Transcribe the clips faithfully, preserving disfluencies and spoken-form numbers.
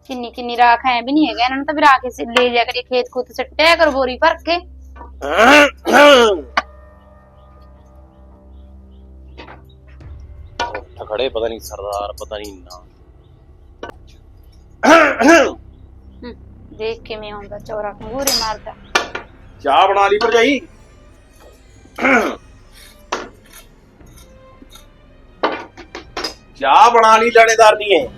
किन्नी किन्नी राख है भी नहीं है इन्होंने तो भी राख ले जा करिए खेत खूत सट्टिया करो बोरी भर के। खड़े पता नहीं सरदार पता नहीं ना देख के मैं आऊंगा चौरा कंगूरे मारता। चाह बना ली भरजाई? चाह बना ली लानेदार नहीं है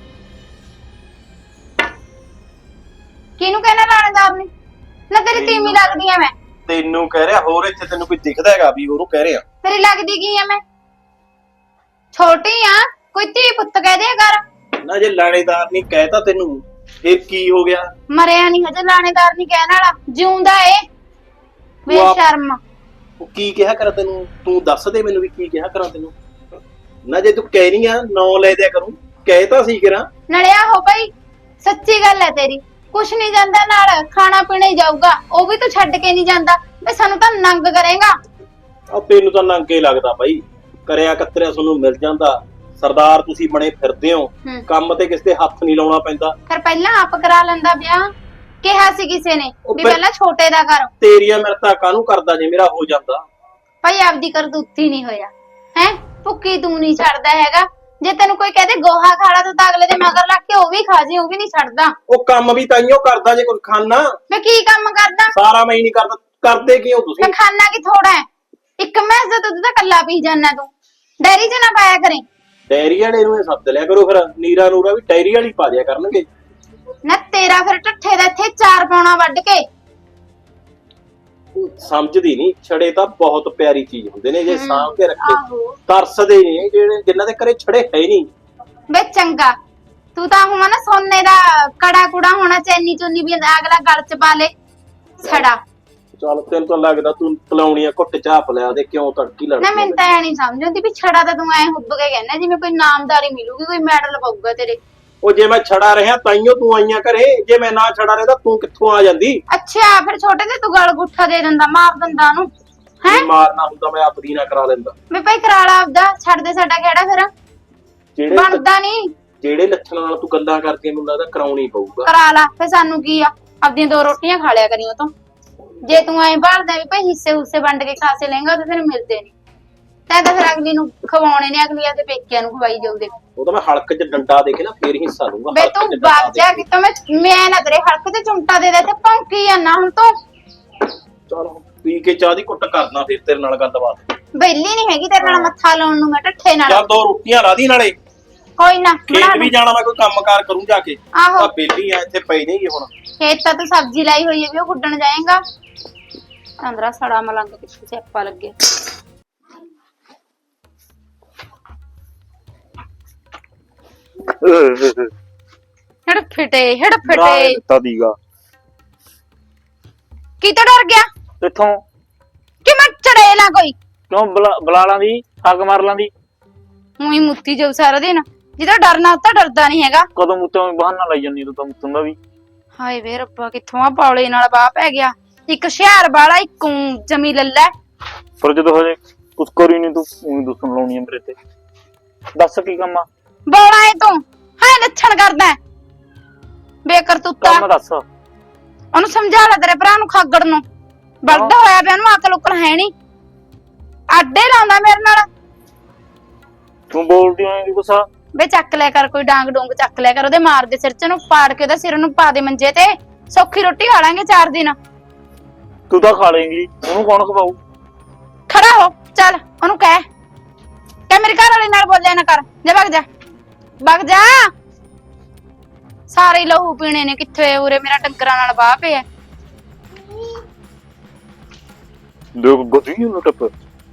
किनू कहना लानेदार ने ना तेरी तीमी लगदी है मैं तेनू कह रहा होर इत्थे तेनू कोई दिखदा हैगा भी ओनू कह रहा तेरी लगदी की है मैं छोटी हां कोई धी पुੱਤ कह दे कर ना जे लानेदार नहीं कहता तेनू फिर की हो गया? मरिया नहीं हजे लानेदार नहीं कहने वाला जिਉਂਦਾ ਏ बेशर्म। ਉਹ ਕੀ ਕਿਹਾ ਕਰ ਤੈਨੂੰ? ਤੂੰ ਦੱਸ ਦੇ ਮੈਨੂੰ ਵੀ ਕੀ ਕਿਹਾ ਕਰਾਂ ਤੈਨੂੰ? ਨਾ ਜੇ ਤੂੰ ਕਹਿ ਰਹੀ ਆ ਨੌ ਲੈ ਦਿਆ ਕਰੂੰ ਕਹਿ ਤਾਂ ਸੀ ਕਰਾਂ ਨਲਿਆ ਹੋ ਭਾਈ ਸੱਚੀ ਗੱਲ ਹੈ ਤੇਰੀ ਕੁਛ ਨਹੀਂ ਜਾਂਦਾ ਨਾਲ ਖਾਣਾ ਪੀਣਾ ਹੀ ਜਾਊਗਾ ਉਹ ਵੀ ਤੂੰ ਛੱਡ ਕੇ ਨਹੀਂ ਜਾਂਦਾ ਵੇ ਸਾਨੂੰ ਤਾਂ ਨੰਗ ਕਰੇਗਾ। ਆ ਤੈਨੂੰ ਤਾਂ ਨੰਗੇ ਲੱਗਦਾ ਬਾਈ ਕਰਿਆ ਕਤਰਿਆ ਤੁਹਾਨੂੰ ਮਿਲ ਜਾਂਦਾ ਸਰਦਾਰ ਤੁਸੀਂ ਬਣੇ ਫਿਰਦੇ ਹੋ ਕੰਮ ਤੇ ਕਿਸੇ ਦੇ ਹੱਥ ਨਹੀਂ ਲਾਉਣਾ ਪੈਂਦਾ। ਫਿਰ ਪਹਿਲਾਂ ਆਪ ਕਰਾ ਲੈਂਦਾ ਵਿਆਹ ਕਿਹਾ ਸੀ ਕਿਸੇ ਨੇ ਵੀ ਪਹਿਲਾਂ ਛੋਟੇ ਦਾ ਕਰ ਤੇਰੀਆਂ ਮਿਰਤਾ ਕਾਹਨੂੰ ਕਰਦਾ ਜੇ ਮੇਰਾ ਹੋ ਜਾਂਦਾ ਭਾਈ ਆਪਦੀ ਕਰਤੂਤੀ ਨਹੀਂ ਹੋਇਆ ਹੈ ਭੁੱਕੀ ਤੂੰ ਨਹੀਂ ਛੱਡਦਾ ਹੈਗਾ ਜੇ ਤੈਨੂੰ ਕੋਈ ਕਹਦੇ ਗੋਹਾ ਖਾਲਾ ਤੂੰ ਤਾਂ ਅਗਲੇ ਦੇ ਮਗਰ ਲੱਗ ਕੇ ਉਹ ਵੀ ਖਾ ਜੀ ਉਹ ਵੀ ਨਹੀਂ ਛੱਡਦਾ। ਉਹ ਕੰਮ ਵੀ ਤਾਈਓ ਕਰਦਾ ਜੇ ਕੁਝ ਖਾਣਾ ਮੈਂ ਕੀ ਕੰਮ ਕਰਦਾ ਸਾਰਾ ਮੈਂ ਹੀ ਨਹੀਂ ਕਰਦਾ ਕਰਦੇ ਕਿਉਂ ਤੁਸੀਂ? ਮੈਂ ਖਾਣਾ ਕੀ ਥੋੜਾ ਹੈ ਇੱਕ ਮੈਸ ਦਾ ਦੁੱਧ ਤਾਂ ਕੱਲਾ ਪੀ ਜਾਣਾ ਤੂੰ ਡੈਰੀ ਚ ਨਾ ਪਾਇਆ ਕਰੇ। ਡੈਰੀ ਵਾਲੇ ਨੂੰ ਸੱਦ ਲਿਆ ਕਰੋ ਫਿਰ ਨੀਰਾ ਨੂਰਾ ਵੀ ਡੈਰੀ ਵਾਲੀ ਪਾ ਦਿਆ ਕਰਨਗੇ ਨਾ ਤੇਰਾ ਫਿਰ ਢੱਠੇ ਦਾ ਇੱਥੇ ਚਾਰ ਪਾਉਣਾ ਵੱਢ ਕੇ ਸਮਝਦੀ ਨਹੀਂ ਛੜੇ ਤਾਂ ਬਹੁਤ ਪਿਆਰੀ ਚੀਜ਼ ਹੁੰਦੇ ਨੇ ਜੇ ਸਾਂਭ ਕੇ ਰੱਖੇ ਆਹੋ ਤਰਸਦੇ ਨੇ ਜਿਹੜੇ ਜਿਨ੍ਹਾਂ ਦੇ ਘਰੇ ਛੜੇ ਹੈ ਨਹੀਂ। ਵੇ ਚੰਗਾ ਤੂੰ ਤਾਂ ਹੁਮਾ ਨਾ ਸੋਨੇ ਦਾ ਕੜਾ ਕੁੜਾ ਹੋਣਾ ਚੈਨੀ ਚੁੰਨੀ ਵੀ ਅਗਲਾ ਗਲ ਚ ਪਾ ਲੇ ਛੜਾ। ਚੱਲ ਤੈਨੂੰ ਤਾਂ ਲੱਗਦਾ ਤੂੰ ਪਲਾਉਣੀਆਂ ਘੁੱਟ ਚਾਪ ਲਿਆ ਦੇ ਕਿਉਂ ਤੜਕੀ ਲੜਦੀ ਨਾ ਮੈਨੂੰ ਤਾਂ ਐ ਨਹੀਂ ਸਮਝ ਆਉਂਦੀ ਵੀ ਛੜਾ ਤਾਂ ਤੂੰ ਐ ਹੁੱਬ ਕੇ ਕਹਿੰਦਾ ਜਿਵੇਂ ਕੋਈ ਨਾਮਦਾਰੀ ਮਿਲੂਗੀ ਕੋਈ ਮੈਡਲ ਪਾਊਗਾ ਤੇਰੇ। ਉਹ ਜੇ ਮੈਂ ਛੜਾ ਰਿਹਾ ਤਾਈਓ ਤੂੰ ਆਈਆਂ ਘਰੇ ਜੇ ਮੈਂ ਨਾ ਛੜਾ ਰਹਿੰਦਾ ਤੂੰ ਕਿੱਥੋਂ ਆ ਜਾਂਦੀ? ਅੱਛਾ ਫਿਰ ਛੋਟੇ ਤੇ ਤੂੰ ਗਲ ਗੁੱਠਾ ਦੇ ਦਿੰਦਾ ਮਾਰ ਦਿੰਦਾ ਉਹਨੂੰ ਹੈ ਮਾਰਨਾ ਹੁੰਦਾ ਮੈਂ ਆਪਦੀ ਨਾ ਕਰਾ ਲੈਂਦਾ। ਮੈਂ ਭਾਈ ਕਰਾਲਾ ਆਪਦਾ ਛੱਡ ਦੇ ਸਾਡਾ ਕਿਹੜਾ ਫਿਰ ਜਿਹੜੇ ਬਣਦਾ ਨਹੀਂ ਜਿਹੜੇ ਲੱਛਣਾਂ ਨਾਲ ਤੂੰ ਗੱਲਾਂ ਕਰਦੀ ਮੈਨੂੰ ਲੱਗਦਾ ਕਰਾਉਣੀ ਪਊਗਾ। ਕਰਾ ਲਾ ਫਿਰ ਸਾਨੂੰ ਕੀ ਆ ਆਪਦੀਆਂ ਦੋ ਰੋਟੀਆਂ ਖਾ ਲਿਆ ਕਰੀ ਉਹ ਤੋਂ ਜੇ ਤੂੰ ਐਂ ਭਾਲਦਾ ਵੀ ਭਾਈ ਹਿੱਸੇ ਹੁੱਸੇ ਵੰਡ ਕੇ ਖਾਸੇ ਲੇਂਗਾ ਤਾਂ ਫਿਰ ਮਿਲਦੇ ਨਹੀਂ ਤੈਂ ਤਾਂ ਫਿਰ ਅਗਲੀ ਨੂੰ ਖਵਾਉਣੇ ਨੇ ਅਗਲੀਆਂ ਤੇ ਪੇਕਿਆਂ ਨੂੰ ਖਵਾਈ ਜਾਊ ਦੇ ਉਹ ਤਾਂ ਮੈਂ ਹਲਕ 'ਚ ਡੰਡਾ ਦੇ ਕੇ ਨਾ ਫੇਰ ਹਿੱਸਾ ਲੂੰਗਾ। ਬੇ ਤੂੰ ਬਾਗ ਜਾ ਕਿ ਮੈਂ ਮੈਂ ਨਾ ਤੇਰੇ ਹਲਕ ਤੇ ਚੁੰਟਾ ਦੇ ਦੇ ਤੇ ਭੌਂਕੀ ਜਾਂਦਾ ਹੁਣ ਤੂੰ। ਚਲ ਪੀ ਕੇ ਚਾਹ ਦੀ ਕੁੱਟ ਕਰਨਾ ਫੇਰ ਤੇਰੇ ਨਾਲ ਗੱਲਬਾਤ। ਬੈਲੀ ਨਹੀਂ ਹੈਗੀ ਤੇਰੇ ਨਾਲ ਮੱਥਾ ਲਾਉਣ ਨੂੰ ਮੈਂ ਢੱਠੇ ਨਾਲ। ਚੱਲ ਦੋ ਰੋਟੀਆਂ ਲਾ ਦੀ ਨਾਲੇ ਕੋਈ ਨਾ ਖੇਤ ਵੀ ਜਾਣਾ ਮੈਂ ਕੋਈ ਕੰਮਕਾਰ ਕਰੂੰ ਜਾ ਕੇ। ਆਹੋ ਆ ਬੇਲੀ ਆ ਇੱਥੇ ਪਈ ਨਹੀਂ ਹੁਣ ਖੇਤ ਤਾਂ ਤੂੰ ਸਬਜ਼ੀ ਲਾਈ ਹੋਈ ਹੈ ਵੀ ਉਹ ਗੁੱਡਣ ਜਾਏਗਾ ਅੰਦਰਾ ਸੜਾ ਮਲੰਗ ਕਿੱਥੇ ਸਿਆਪਾ ਲੱਗੇ। ਹੜ ਫਟੇ ਹੜ ਫਟੇ ਤਦੀਗਾ ਕੀ ਤੋਂ ਡਰ ਗਿਆ ਕਿੱਥੋਂ ਕਿ ਮੈਂ ਚੜੇਲਾ ਕੋਈ ਕਿਉਂ ਬੁਲਾ ਲਾਂਦੀ ਹੱਗ ਮਾਰ ਲਾਂਦੀ ਉਹੀ ਮੁੱਤੀ ਜਾਊ ਸਾਰਾ ਦਿਨ ਜਿਹਦਾ ਡਰਨਾ ਤਾਂ ਡਰਦਾ ਨਹੀਂ ਹੈਗਾ। ਕਦੋਂ ਮੁੱਤੋਂ ਬਹਾਨਾ ਲਾਈ ਜਾਂਦੀ ਤੂੰ ਤਾਂ ਮੁੱਤੋਂ ਦਾ ਵੀ। ਹਾਏ ਵੇ ਰੱਬਾ ਕਿੱਥੋਂ ਆ ਪੌਲੇ ਨਾਲ ਬਾਹ ਪੈ ਗਿਆ ਇੱਕ ਹੁਸ਼ਿਆਰ ਵਾਲਾ ਇੱਕ ਜਮੀ ਲੱਲਾ ਪਰ ਜਦੋਂ ਹਜੇ ਕੁਛ ਕਰੀ ਨਹੀਂ ਤੂੰ ਉਹੀ ਦੁਸਣ ਲਾਉਣੀ ਆ ਮੇਰੇ ਤੇ। ਦੱਸ ਕੀ ਕੰਮ ਆ ਬੋਲਾ ਏ ਤੂੰ ਹਾਏ ਲੱਛਣ ਕਰਦਾ ਬੇਕਰਤੂਤਾ ਕੰਮ ਦੱਸ। ਉਹਨੂੰ ਸਮਝਾ ਲੈ ਤੇਰੇ ਭਰਾ ਨੂੰ ਖਾਗੜ ਨੂੰ ਬਲਦਾ ਹੋਇਆ ਪਿਆ ਉਹਨੂੰ ਅਕਲ ਉਕਲ ਹੈ ਨਹੀਂ ਆਡੇ ਲਾਉਂਦਾ ਮੇਰੇ ਨਾਲ। ਤੂੰ ਬੋਲਦੀ ਹੋਏਂਗੀ ਕੁਛ ਵੇ ਚੱਕ ਲਿਆ ਕਰ ਕੋਈ ਡਾਂਗ ਡੂੰਗ ਚੱਕ ਲਿਆ ਕਰ ਉਹਦੇ ਮਾਰ ਦੇ ਸਿਰ ਚ ਨੂੰ ਪਾੜ ਕੇ ਉਹਦਾ ਸਿਰ ਨੂੰ ਪਾ ਦੇ ਮੰਜੇ ਤੇ ਸੌਖੀ ਰੋਟੀ ਖਾ ਲਾਂਗੇ ਚਾਰ ਦਿਨ। ਤੂੰ ਤਾਂ ਖਾ ਲੇਂਗੀ ਉਹਨੂੰ ਕੌਣ ਖਵਾਊ? ਖੜਾ ਹੋ ਚੱਲ ਉਹਨੂੰ ਕਹਿ ਕਹਿ ਮੇਰੇ ਘਰ ਵਾਲੇ ਨਾਲ ਬੋਲਿਆ ਨਾ ਕਰ ਜਾ ਵਗ ਜਾ ਵਗ ਜਾ। ਸਾਰੇ ਲਹੂ ਪੀਣੇ ਨੇ ਕਿੱਥੇ ਉਰੇ ਮੇਰਾ ਟੰਕਰਾਂ ਨਾਲ ਬਾਹ ਪਿਆ। ਦੇਖ ਗੋਦੀ ਨੂੰ ਟੱਪ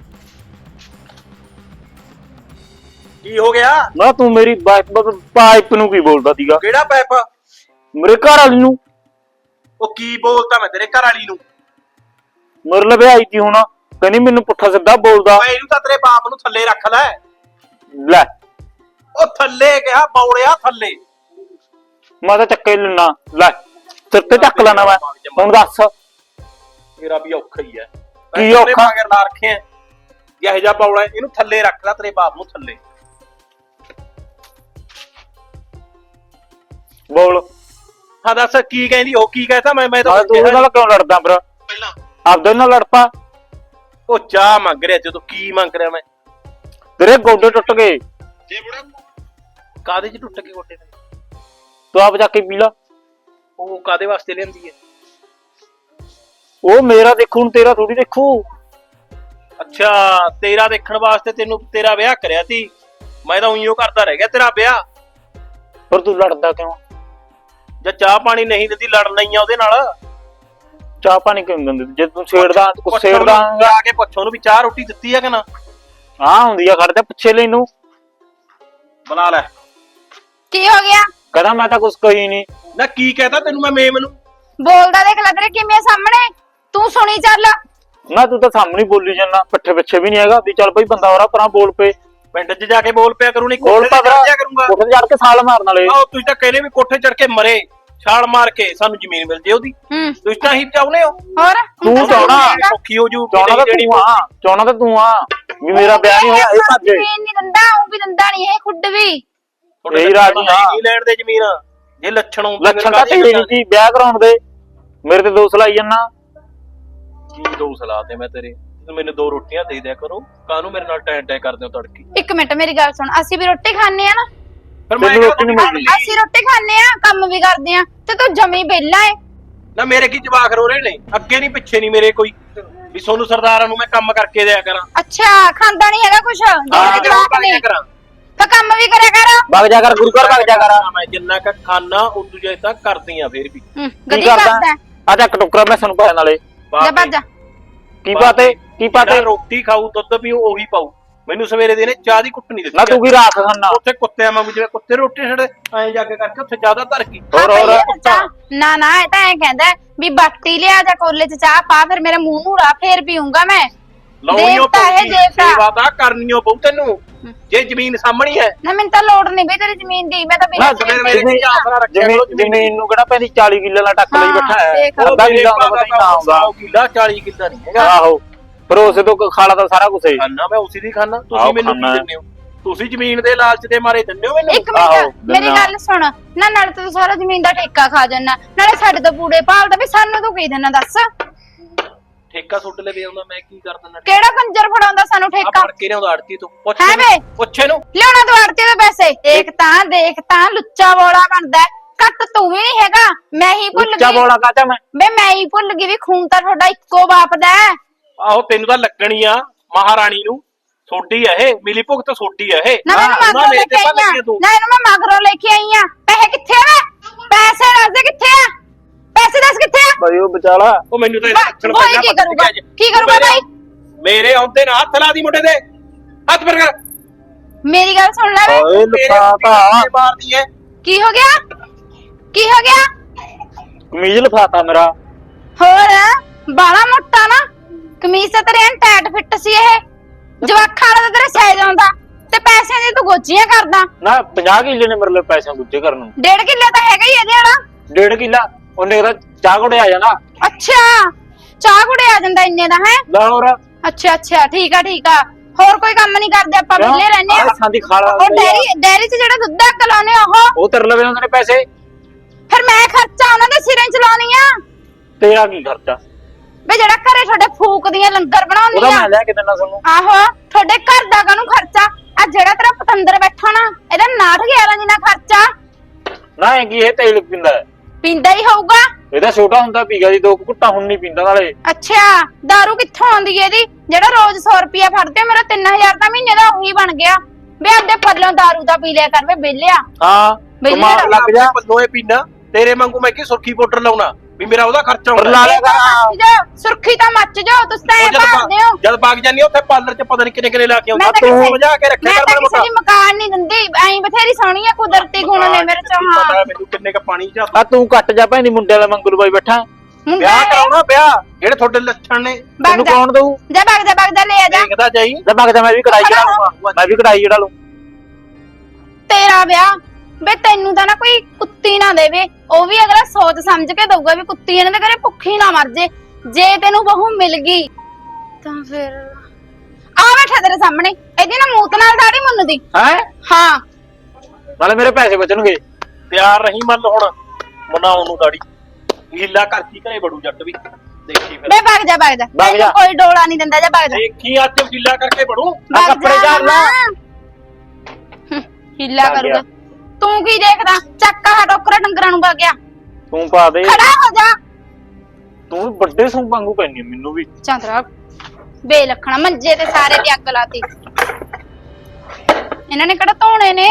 ਕੀ ਹੋ ਗਿਆ? ਨਾ ਤੂੰ ਮੇਰੀ ਪਾਈਪ ਨੂੰ ਕੀ ਬੋਲਦਾ ਸੀਗਾ? ਕਿਹੜਾ ਪਾਈਪ? ਮੇਰੇ ਘਰ ਵਾਲੀ ਨੂੰ। ਉਹ ਕੀ ਬੋਲਦਾ ਮੈਂ ਤੇਰੇ ਘਰ ਵਾਲੀ ਨੂੰ? ਮੇਰੇ ਲਵੇ ਆਈ ਤੀ ਹੁਣ ਕਹਿੰਦੀ ਮੈਨੂੰ ਪੁੱਠਾ ਸਿੱਧਾ ਬੋਲਦਾ। ਓਏ ਇਹਨੂੰ ਤਾਂ ਤੇਰੇ ਬਾਪ ਨੂੰ ਥੱਲੇ ਰੱਖ ਲੈ। ਲੈ ਉਹ ਥੱਲੇ ਕਿਹਾ ਬੌੜਿਆ ਥੱਲੇ। ਮੈਂ ਤਾਂ ਚੱਕੇ ਲੈਣਾ ਲੈ ਸਿਰ ਤੇ ਚੱਕ ਲੈਣਾ ਮੈਂ ਹੁਣ ਦੱਸ। ਮੇਰਾ ਵੀ ਔਖਾ ਹੀ ਹੈ ਕੀ ਔਖਾ ਮਗਰ ਲਾ ਰੱਖੇ ਆ ਜਿਹੇ ਜਾ ਬੌੜਾ ਇਹਨੂੰ ਥੱਲੇ ਰੱਖ ਲੈ ਤੇਰੇ ਬਾਪ ਨੂੰ ਥੱਲੇ। ਬੋਲ ਹਾਂ ਦੱਸ ਕੀ ਕਹਿੰਦੀ ਉਹ ਕੀ ਕਹਿਤਾ ਮੈਂ ਮੈਂ ਤਾਂ ਨਾਲੇ ਤੂੰ ਉਹਦੇ ਨਾਲ ਕਿਉਂ ਲੜਦਾ ਫਿਰ ਪਹਿਲਾਂ ਆਪਦੇ ਨਾਲ ਲੜ ਪਾ। ਉਹ ਚਾਹ ਮੰਗ ਰਿਹਾ ਜਦੋਂ ਕੀ ਮੰਗ ਰਿਹਾ ਮੈਂ ਤੇਰੇ ਗੋਡੇ ਟੁੱਟ ਗਏ। ਜੇ ਬੁੜਾ ਕਾਦੇ ਚ ਟੁੱਟ ਗਏ ਗੋਡੇ ਤੇ ਤੂੰ ਆਪ ਜਾ ਕੇ ਪੀ ਲਾ। ਉਹ ਕਾਦੇ ਵਾਸਤੇ ਲਿਆਂਦੀ ਹੈ ਉਹ ਮੇਰਾ ਦੇਖੂ ਹੁਣ ਤੇਰਾ ਥੋੜੀ ਦੇਖੂ। ਅੱਛਾ ਤੇਰਾ ਦੇਖਣ ਵਾਸਤੇ ਤੈਨੂੰ ਤੇਰਾ ਵਿਆਹ ਕਰਿਆ ਸੀ ਮੈਂ ਤਾਂ ਉਈਓ ਕਰਦਾ ਰਹਿ ਗਿਆ ਤੇਰਾ ਵਿਆਹ। ਪਰ ਤੂੰ ਲੜਦਾ ਕਿਉਂ? ਜੇ ਚਾਹ ਪਾਣੀ ਨਹੀਂ ਦਿੰਦੀ ਲੜਨਾ ਹੀ ਆ ਉਹਦੇ ਨਾਲ। ਚਾਹ ਪਾਣੀ ਕਿਉਂ ਦਿੰਦੇ ਜੇ ਤੂੰ ਛੇੜਦਾ ਕੁਛ ਛੇੜਦਾ ਆ ਕੇ ਪੁੱਛ ਉਹਨੂੰ ਵੀ ਚਾਹ ਰੋਟੀ ਦਿੱਤੀ ਹੈ ਕਿ ਨਾ। ਹਾਂ ਹੁੰਦੀ ਆ ਖੜਦੇ ਪੁੱਛੇ ਲਈ ਨੂੰ ਬੁਲਾ ਲੈ। ਕੀ ਹੋ ਗਿਆ? ਕਹਿੰਦਾ ਮੈਂ ਤਾਂ ਕੁਛ ਕਹੀ ਨਹੀਂ। ਨਾ ਕੀ ਕਹਤਾ ਤੈਨੂੰ ਮੈਂ ਮੇਮ ਨੂੰ ਬੋਲਦਾ ਦੇਖ ਲੱਗ ਰਿਹਾ ਕਿਵੇਂ ਸਾਹਮਣੇ ਤੂੰ ਸੁਣੀ ਚੱਲ। ਨਾ ਤੂੰ ਤਾਂ ਸਾਹਮਣੇ ਬੋਲੀ ਜਾਂਦਾ ਪਿੱਠੇ ਪਿੱਛੇ ਵੀ ਨਹੀਂ ਹੈਗਾ ਵੀ ਚੱਲ ਬਈ ਬੰਦਾ ਹੋਰਾ ਪਰਾਂ ਬੋਲ ਪਏ। ਪਿੰਡ 'ਚ ਜਾ ਕੇ ਬੋਲ ਪਿਆ ਕਰੂ ਨਹੀਂ ਬੋਲ ਕੋਠੇ ਪਾ ਤੇ ਚੜ ਜਾ ਕਰੂੰਗਾ। ਕੋਠੇ ਚੜ ਕੇ ਸਾਲ ਮਾਰਨ ਵਾਲੇ। ਆਹ ਤੁਸੀਂ ਤਾਂ ਕਹਿੰਦੇ ਵੀ ਕੋਠੇ ਚੜ ਕੇ ਮਰੇ ਛਾਲ ਮਾਰ ਕੇ ਸਾਨੂੰ ਜ਼ਮੀਨ ਮਿਲ ਜੇ ਉਹਦੀ। ਹੂੰ ਤੁਸੀਂ ਤਾਂ ਹੀ ਚਾਹੁੰਦੇ ਹੋ ਹੋਰ ਤੂੰ ਚਾਹਣਾ ਔਖੀ ਹੋ ਜੂ ਚਾਹਣਾ ਤਾਂ ਤੂੰ ਆ ਚਾਹਣਾ ਤਾਂ ਤੂੰ ਆ ਵੀ ਮੇਰਾ ਵਿਆਹ ਨਹੀਂ ਹੋਇਆ ਇਹ ਭੱਜੇ। ਜ਼ਮੀਨ ਨਹੀਂ ਦਿੰਦਾ ਉਹ ਵੀ ਦਿੰਦਾ ਨਹੀਂ ਇਹ ਖੁੱਡ ਵੀ। ਇਹੀ ਰਾਜੀ ਆ। ਨਹੀਂ ਲੈਣ ਦੇ ਜ਼ਮੀਨ ਜੇ ਲੱਛਣ ਹੁੰਦੇ ਲੱਛਣ ਤਾਂ ਤੇਰੇ ਨਹੀਂ ਸੀ ਵਿਆਹ ਕਰਾਉਣ ਦੇ ਮੇਰੇ ਤੇ ਦੋਸ਼ ਲਾਈ ਜੰਨਾ। ਕੀ ਦੋ ਸਲਾਹ ਤੇ ਮੈਂ ਤੇਰੇ ਮੈਨੂੰ ਦੋ ਰੋਟੀਆਂ ਦੇ ਦਿਆ ਕਰੋ ਕਾਹਨੂੰ ਮੇਰੇ ਨਾਲ ਟੈਂ ਟੈਂ ਕਰਦੇ ਹੋ ਤੜਕੀ। ਇੱਕ ਮਿੰਟ ਮੇਰੀ ਗੱਲ ਸੁਣ ਅਸੀਂ ਵੀ ਰੋਟੀ ਖਾਣੇ ਆ ਨਾ। ਫਿਰ ਮੈਂ ਰੋਟੀ ਨਹੀਂ ਮਿਲਦੀ। ਅਸੀਂ ਰੋਟੀ ਖਾਣੇ ਆ ਕੰਮ ਵੀ ਕਰਦੇ ਆ ਤੇ ਤੂੰ ਜਮੀ ਵਿਹਲਾ ਏ। ਨਾ ਮੇਰੇ ਕੀ ਜਵਾਕ ਰੋ ਰਹੇ ਨੇ ਅੱਗੇ ਨਹੀਂ ਪਿੱਛੇ ਨਹੀਂ ਮੇਰੇ ਕੋਈ ਵੀ ਸੋਨੂੰ ਸਰਦਾਰਾਂ ਨੂੰ ਮੈਂ ਕੰਮ ਕਰਕੇ ਦਿਆ ਕਰਾਂ। ਅੱਛਾ ਖਾਂਦਾ ਨਹੀਂ ਹੈਗਾ ਕੁਛ ਜਿਹੜੇ ਜਵਾਕ ਨੇ ਕਰਾਂ ਤਾਂ ਕੰਮ ਵੀ ਕਰਿਆ ਕਰ। ਵਗ ਜਾ ਕਰ ਗੁਰੂ ਘਰ ਵਗ ਜਾ ਕਰ। ਮੈਂ ਜਿੰਨਾ ਕ ਖਾਣਾ ਉਦੋਂ ਜੇ ਤੱਕ ਕਰਦੀ ਆ ਫੇਰ ਵੀ ਹੂੰ ਗਦੀ ਕਰਦਾ ਆ ਜਾ ਕਟੋਕਰਾ ਮੈਂ ਸਾਨੂੰ ਪਾਣ ਵਾਲੇ ਜਾ ਭੱਜ ਜਾ। ਕੀ ਪਾਤੇ ਕੀ ਪਾਤੇ ਰੋਟੀ ਖਾਊ ਦੁੱਧ ਪੀਊ ਉਹੀ ਪਾਊ ਮੈਨੂੰ ਸਵੇਰੇ ਦੇ ਨੇ ਚਾਹ ਦੀ ਕੁੱਟ ਨਹੀਂ ਦਿੱਤੀ। ਨਾ ਤੂੰ ਕੀ ਰਾਖ ਖਾਨਾ ਉੱਥੇ ਕੁੱਤਿਆਂ ਵਾਂਗੂ ਜਿਵੇਂ ਕੁੱਤੇ ਰੋਟੀ ਛੱਡੇ ਐਂ ਜਾ ਕੇ ਕਰਕੇ ਉੱਥੇ ਜ਼ਿਆਦਾ ਧਰ ਗਈ। ਹੋਰ ਹੋਰ ਨਾ ਨਾ ਇਹ ਤਾਂ ਐ ਕਹਿੰਦਾ ਵੀ ਬਾਟੀ ਲਿਆ ਜਾ ਕੋਲੇ ਚ ਚਾਹ ਪਾ ਫਿਰ ਮੇਰੇ ਮੂੰਹ ਨੂੰ ਰਾ ਫੇਰ ਪੀਊਂਗਾ ਮੈਂ। ਲਾਉਣੀਓ ਦੇਵਤਾ ਹੈ ਦੇਵਤਾ। ਸੇਵਾ ਤਾਂ ਕਰਨੀਓ ਪਊ ਤੈਨੂੰ ਜੇ ਜ਼ਮੀਨ ਸਾਹਮਣੀ ਹੈ। ਨਾ ਮੈਨੂੰ ਤਾਂ ਲੋੜ ਨਹੀਂ ਬਈ ਤੇਰੀ ਜ਼ਮੀਨ ਦੀ ਮੈਂ ਤਾਂ ਬਿਨਾਂ ਜ਼ਮੀਨ ਨੂੰ ਕਿਹੜਾ ਪੈਂਦੀ ਚਾਲੀ ਕਿੱਲੇ ਦਾ ਟੱਕ ਲਈ ਬੈਠਾ ਹੈ ਅੱਧਾ ਕਿੱਲਾ ਆਉਂਦਾ ਪਤਾ ਨਹੀਂ ਨਾ ਆਉਂਦਾ ਕਿੱਲਾ ਚਾਲੀ ਕਿੱਲਾ ਨਹੀਂ ਹੈਗਾ। ਆਹੋ ਪਰ ਉਸੇ ਤੋਂ ਖਾਲਾ ਤਾਂ ਸਾਰਾ ਕੁਝ ਹੈ। ਖਾਣਾ ਮੈਂ ਉਸੇ ਦੀ ਖਾਣਾ ਤੁਸੀਂ ਮੈਨੂੰ ਕੀ ਦਿੰਦੇ ਹੋ? ਤੁਸੀਂ ਜ਼ਮੀਨ ਦੇ ਲਾਲਚ ਦੇ ਮਾਰੇ ਦਿੰਦੇ ਹੋ ਮੈਨੂੰ। ਇੱਕ ਮਿੰਟ ਮੇਰੀ ਗੱਲ ਸੁਣ ਨਾ ਨਾਲੇ ਤੂੰ ਸਾਰਾ ਜ਼ਮੀਨ ਦਾ ਠੇਕਾ ਖਾ ਜਾਣਾ ਨਾਲੇ ਸਾਡੇ ਤੋਂ ਪੂੜੇ ਭਾਲਦਾ ਵੀ ਸਾਨੂੰ ਤੂੰ ਕੀ ਦੇਣਾ ਦੱਸ। ਠੇਕਾ ਸੁੱਟ ਲਵੇ ਆਉਂਦਾ ਮੈਂ ਕੀ ਕਰ ਦਿੰਦਾ। ਕਿਹੜਾ ਕੰਜਰ ਫੜਾਉਂਦਾ ਸਾਨੂੰ ਠੇਕਾ? ਫੜ ਕੇ ਲਿਆਉਂਦਾ ਆੜਤੀ ਤੋਂ ਪੁੱਛ ਹੈ ਵੇ ਪੁੱਛੇ ਨੂੰ ਲਿਆਉਣਾ ਤੂੰ ਆੜਤੀ ਦੇ ਪੈਸੇ। ਦੇਖ ਤਾਂ ਦੇਖ ਤਾਂ ਲੁੱਚਾ ਬੋਲਾ ਬਣਦਾ ਕੱਟ ਤੂੰ ਵੀ ਨਹੀਂ ਹੈਗਾ ਮੈਂ ਹੀ ਭੁੱਲ ਗਈ। ਲੁੱਚਾ ਬੋਲਾ ਕਾਚਾ ਮੈਂ ਬੇ ਮੈਂ ਹੀ ਭੁੱਲ ਗਈ ਵੀ ਖੂਨ ਤਾਂ ਤੁਹਾਡਾ ਇੱਕੋ ਬਾਪ ਦਾ ਹੈ। ਆਹੋ ਤੈਨੂੰ ਤਾਂ ਲੱਗਣੀ ਆ ਮਹਾਰਾਣੀ ਨੂੰ ਸੋਡੀ ਆ ਇਹ ਮਿਲੀ ਭੁਗਤ ਸੋਡੀ ਆ ਇਹ। ਨਾ ਮੈਨੂੰ ਮਗਰੋਂ ਲੈ ਕੇ ਆਈ ਆ ਨਾ ਇਹਨੂੰ ਮੈਂ ਮਗਰੋਂ ਲੈ ਕੇ ਆਈ ਆ। ਪੈਸੇ ਕਿੱਥੇ ਆ? ਪੈਸੇ ਦੱਸ ਦੇ ਕਿੱਥੇ ਆ? ਪੈਸੇ ਦੱਸ ਕਿੱਥੇ ਆ? ਬਈ ਉਹ ਵਿਚਾਲਾ ਉਹ ਮੈਨੂੰ ਤਾਂ ਲੱਛਣ ਪਹਿਲਾਂ ਕੀ ਕਰੂਗਾ ਕੀ ਕਰੂਗਾ ਭਾਈ? ਮੇਰੇ ਆਉਂਦੇ ਨਾ ਹੱਥ ਲਾ ਦੀ ਮੁੰਡੇ ਦੇ ਹੱਥ ਪਰ ਕਰ। ਮੇਰੀ ਗੱਲ ਸੁਣ ਲੈ ਵੇ ਓਏ ਲਫਾਤਾ ਮਾਰਦੀ ਐ। ਕੀ ਹੋ ਗਿਆ ਕੀ ਹੋ ਗਿਆ? ਕਮੀਜ਼ ਲਫਾਤਾ ਮੇਰਾ ਹੋਰ ਬਾਲਾ ਮੋਟਾ ਨਾ ਕਮੀਜ਼ ਤਾਂ ਤੇਰੇ ਐਨ ਟਾਈਟ ਫਿੱਟ ਸੀ ਇਹ ਜਵਾਖਾਂ ਦਾ ਤੇਰੇ ਸਾਈਜ਼ ਆਉਂਦਾ ਤੇ ਪੈਸਿਆਂ ਦੀ ਤੂੰ ਗੋਚੀਆਂ ਕਰਦਾ। ਨਾ ਪੰਜਾਹ ਕਿੱਲੇ ਨੇ ਮੇਰੇ ਲਈ ਪੈਸੇ ਗੁੱਜੇ ਕਰਨ ਨੂੰ। ਡੇਢ ਕਿੱਲੇ ਤਾਂ ਹੈਗਾ ਹੀ ਇਹਦੇ ਵਾਲਾ। ਡੇਢ ਕਿੱਲਾ ਉਹਨੇ ਕਹਿੰਦਾ ਚਾਹ ਕੋੜੇ ਆ ਜਾਣਾ। ਅੱਛਾ ਚਾਹ ਕੁੜੇ ਆ ਜਾਂਦਾ ਇੰਨੇ ਦਾ ਹੈ? ਲੈ ਹੋਰ ਅੱਛਾ ਅੱਛਾ ਠੀਕ ਆ ਠੀਕ ਆ। ਹੋਰ ਕੋਈ ਕੰਮ ਨਹੀਂ ਕਰਦੇ ਆਪਾਂ ਵਿਹਲੇ ਰਹਿੰਦੇ ਆ। ਸਾਡੀ ਖਾਲਾ ਉਹ ਡੈਰੀ ਡੈਰੀ 'ਚ ਜਿਹੜਾ ਦੁੱਧ ਦਾ ਕਲਾਉਨੇ ਉਹ ਉਹ ਤੇਰੇ ਲਵੇ ਉਹਨਾਂ ਨੇ ਪੈਸੇ ਫਿਰ ਮੈਂ ਖਰਚਾ ਉਹਨਾਂ ਦੇ ਸਿਰਾਂ 'ਚ ਲਾਉਣੀ ਆ। ਤੇਰਾ ਕੀ ਖਰਚਾ? ਵੇ ਜਿਹੜਾ ਘਰੇ ਤੁਹਾਡੇ ਫੂਕ ਦੀਆਂ ਲੰਗਰ ਬਣਾਉਣੀ ਉਹਦਾ ਆ ਮੈਂ ਲੈ ਕੇ ਦਿੰਦਾ ਤੁਹਾਨੂੰ। ਆਹੋ ਤੁਹਾਡੇ ਘਰ ਦਾ ਕਾਹਨੂੰ ਖਰਚਾ ਆ ਜਿਹੜਾ ਤੇਰਾ ਪਤੰਦਰ ਬੈਠਾ ਨਾ ਇਹਦਾ ਨਾਠ ਗਿਆਰਾਂ ਜਿੰਨਾ ਖਰਚਾ। ਨਾ ਇਹ ਕੀ ਇਹ ਤੇਲ ਪੀਂਦਾ ਪੀਂਦਾ ਹੀ ਹੋਊਗਾ। ਇਹਦਾ ਛੋਟਾ ਹੁੰਦਾ ਪੀਗਾ ਜੀ ਦੋ ਘੁੱਟਾਂ ਹੁਣ ਨਹੀਂ ਪੀਂਦਾ ਨਾਲੇ। ਅੱਛਾ ਦਾਰੂ ਕਿੱਥੋਂ ਆਉਂਦੀ ਇਹਦੀ ਜਿਹੜਾ ਰੋਜ਼ ਸੌ ਰੁਪਿਆ ਫੜਦੇ ਮੇਰਾ ਤਿੰਨ ਹਜ਼ਾਰ ਤਾਂ ਮਹੀਨੇ ਦਾ ਉਹੀ ਬਣ ਗਿਆ। ਵੇ ਆਪਦੇ ਪੱਲੋਂ ਦਾਰੂ ਦਾ ਪੀ ਲਿਆ ਕਰ ਵੇ ਵਿਹਲਿਆ। ਹਾਂ ਕਮਾਲ ਲੱਗ ਜਾ ਪੱਲੋਂ ਪੀਣਾ ਤੇਰੇ ਵਾਂਗੂ ਮੈਂ ਕੀ ਸੁਰਖੀ ਪਾਊਡਰ ਲਾਉਣਾ ਵੀ ਮੇਰਾ ਉਹਦਾ ਖਰਚਾ ਪਰ ਲਾ ਲਿਆ ਕਰ। ਸੁਰਖੀ ਤਾਂ ਮੱਚ ਜਾਓ ਤੁਸੀਂ ਤਾਂ ਐ ਭਾਲਦੇ ਹੋ। ਜਦ ਬਾਗ ਜਾਂਦੀ ਉੱਥੇ ਪਾਰਲਰ 'ਚ ਪਤਾ ਨਹੀਂ ਕਿੰਨੇ ਕਿੰਨੇ ਲਾ ਕੇ ਆਉਂਦਾ ਤੂੰ ਸਮਝਾ ਕੇ ਰੱਖਿਆ ਮੈਂ ਕਰ ਤਾਂ ਮੈਨੂੰ ਕਿਸੇ ਦੀ ਮਕਾਨ ਨਹੀਂ ਦਿੰਦੀ ਐਂ ਬਥੇਰੀ ਸੋਹਣੀ ਆ ਕੁਦਰਤੀ ਗੁਣ ਨੇ ਮੇਰੇ ਚ। ਹਾਂ ਮੈਨੂੰ ਕਿੰਨੇ ਕ ਪਾਣੀ ਚ ਆ ਤੂੰ ਕੱਟ ਜਾ ਭੈਣੀ ਮੁੰਡੇ ਵਾਲਾ ਮੰਗਲੂ ਬਾਈ ਬੈਠਾ ਵਿਆਹ ਕਰਾਉਣਾ ਵਿਆਹ ਜਿਹੜੇ ਤੁਹਾਡੇ ਲੱਛਣ ਨੇ ਤੈਨੂੰ ਕੌਣ ਦਊ? ਜਾ ਭੱਗ ਜਾ ਭੱਗ ਜਾ ਲੈ ਆ ਜਾ। ਦੇਖਦਾ ਜਾਈ ਲੈ ਭੱਗ ਜਾ ਮੈਂ ਵੀ ਕਢਾਈ ਚੜਾ ਲੂੰਗਾ ਮੈਂ ਵੀ ਕਢਾਈ ਚੜਾ ਲੂੰ। ਤੇਰਾ ਵਿਆਹ ਬੇ ਤੈਨੂੰ ਤਾਂ ਨਾ ਕੋਈ ਕੁੱਤੀ ਨਾ ਦੇਵੇ ਉਹ ਵੀ ਅਗਲਾ ਸੋਚ ਸਮਝ ਕੇ ਦਊਗਾ ਵੀ ਕੁੱਤੀ ਇਹਨਾਂ ਦੇ ਘਰੇ ਭੁੱਖੀ ਨਾ ਮਰ ਜੇ। ਜੇ ਤੈਨੂੰ ਬਹੂ ਮਿਲ ਗਈ ਤਾਂ ਫਿਰ ਆ ਬੈਠਾ ਤੇਰੇ ਸਾਹਮਣੇ ਇਹਦੀ ਨਾ ਮੂਤ ਨਾਲ ਦਾੜੀ ਮੁੰਨਦੀ ਹੈ ਹਾਂ ਨਾਲੇ ਮੇਰੇ ਪੈਸੇ ਬਚਣਗੇ। ਤਿਆਰ ਰਹੀ ਮੰਨ ਹੁਣ ਬਣਾਉਣ ਨੂੰ ਦਾੜੀ ਹੀਲਾ ਕਰਤੀ ਘਰੇ ਬੜੂ ਜੱਟ ਵੀ ਦੇਖੀ ਫਿਰ ਬੇ ਭੱਗ ਜਾ ਭੱਗ ਜਾ ਭੱਗ ਜਾ। ਤੈਨੂੰ ਕੋਈ ਡੋਲਾ ਨਹੀਂ ਦਿੰਦਾ ਜਾ ਭੱਗ ਜਾ ਦੇਖੀ ਅੱਜ ਹੀਲਾ ਕਰਕੇ ਬੜੂ ਆ ਕੱਪੜੇ ਝਾੜ ਲਾ। ਹੂੰ, ਹੀਲਾ ਭੱਗ ਕਰੂਗਾ ਗਿਆ। ਤੂੰ ਕੀ ਦੇਖਦਾ ਚੱਕਾ ਹਾ ਟੋਕਰਾ ਡੰਗਰਾਂ ਨੂੰ ਵਗ ਗਿਆ ਤੂੰ ਪਾ ਦੇ ਖੜਾ ਹੋ ਜਾ ਤੂੰ ਵੀ ਵੱਡੇ ਸੂ ਵਾਂਗੂ ਪੈਣੀ ਮੈਨੂੰ ਵੀ ਚੰਦਰਾ ਬੇ ਲੱਖਣਾ ਮੰਜੇ ਤੇ ਸਾਰੇ ਤੇ ਅੱਗ ਲਾਤੀ ਇਹਨਾਂ ਨੇ ਕਿਹੜਾ ਧੋਣੇ ਨੇ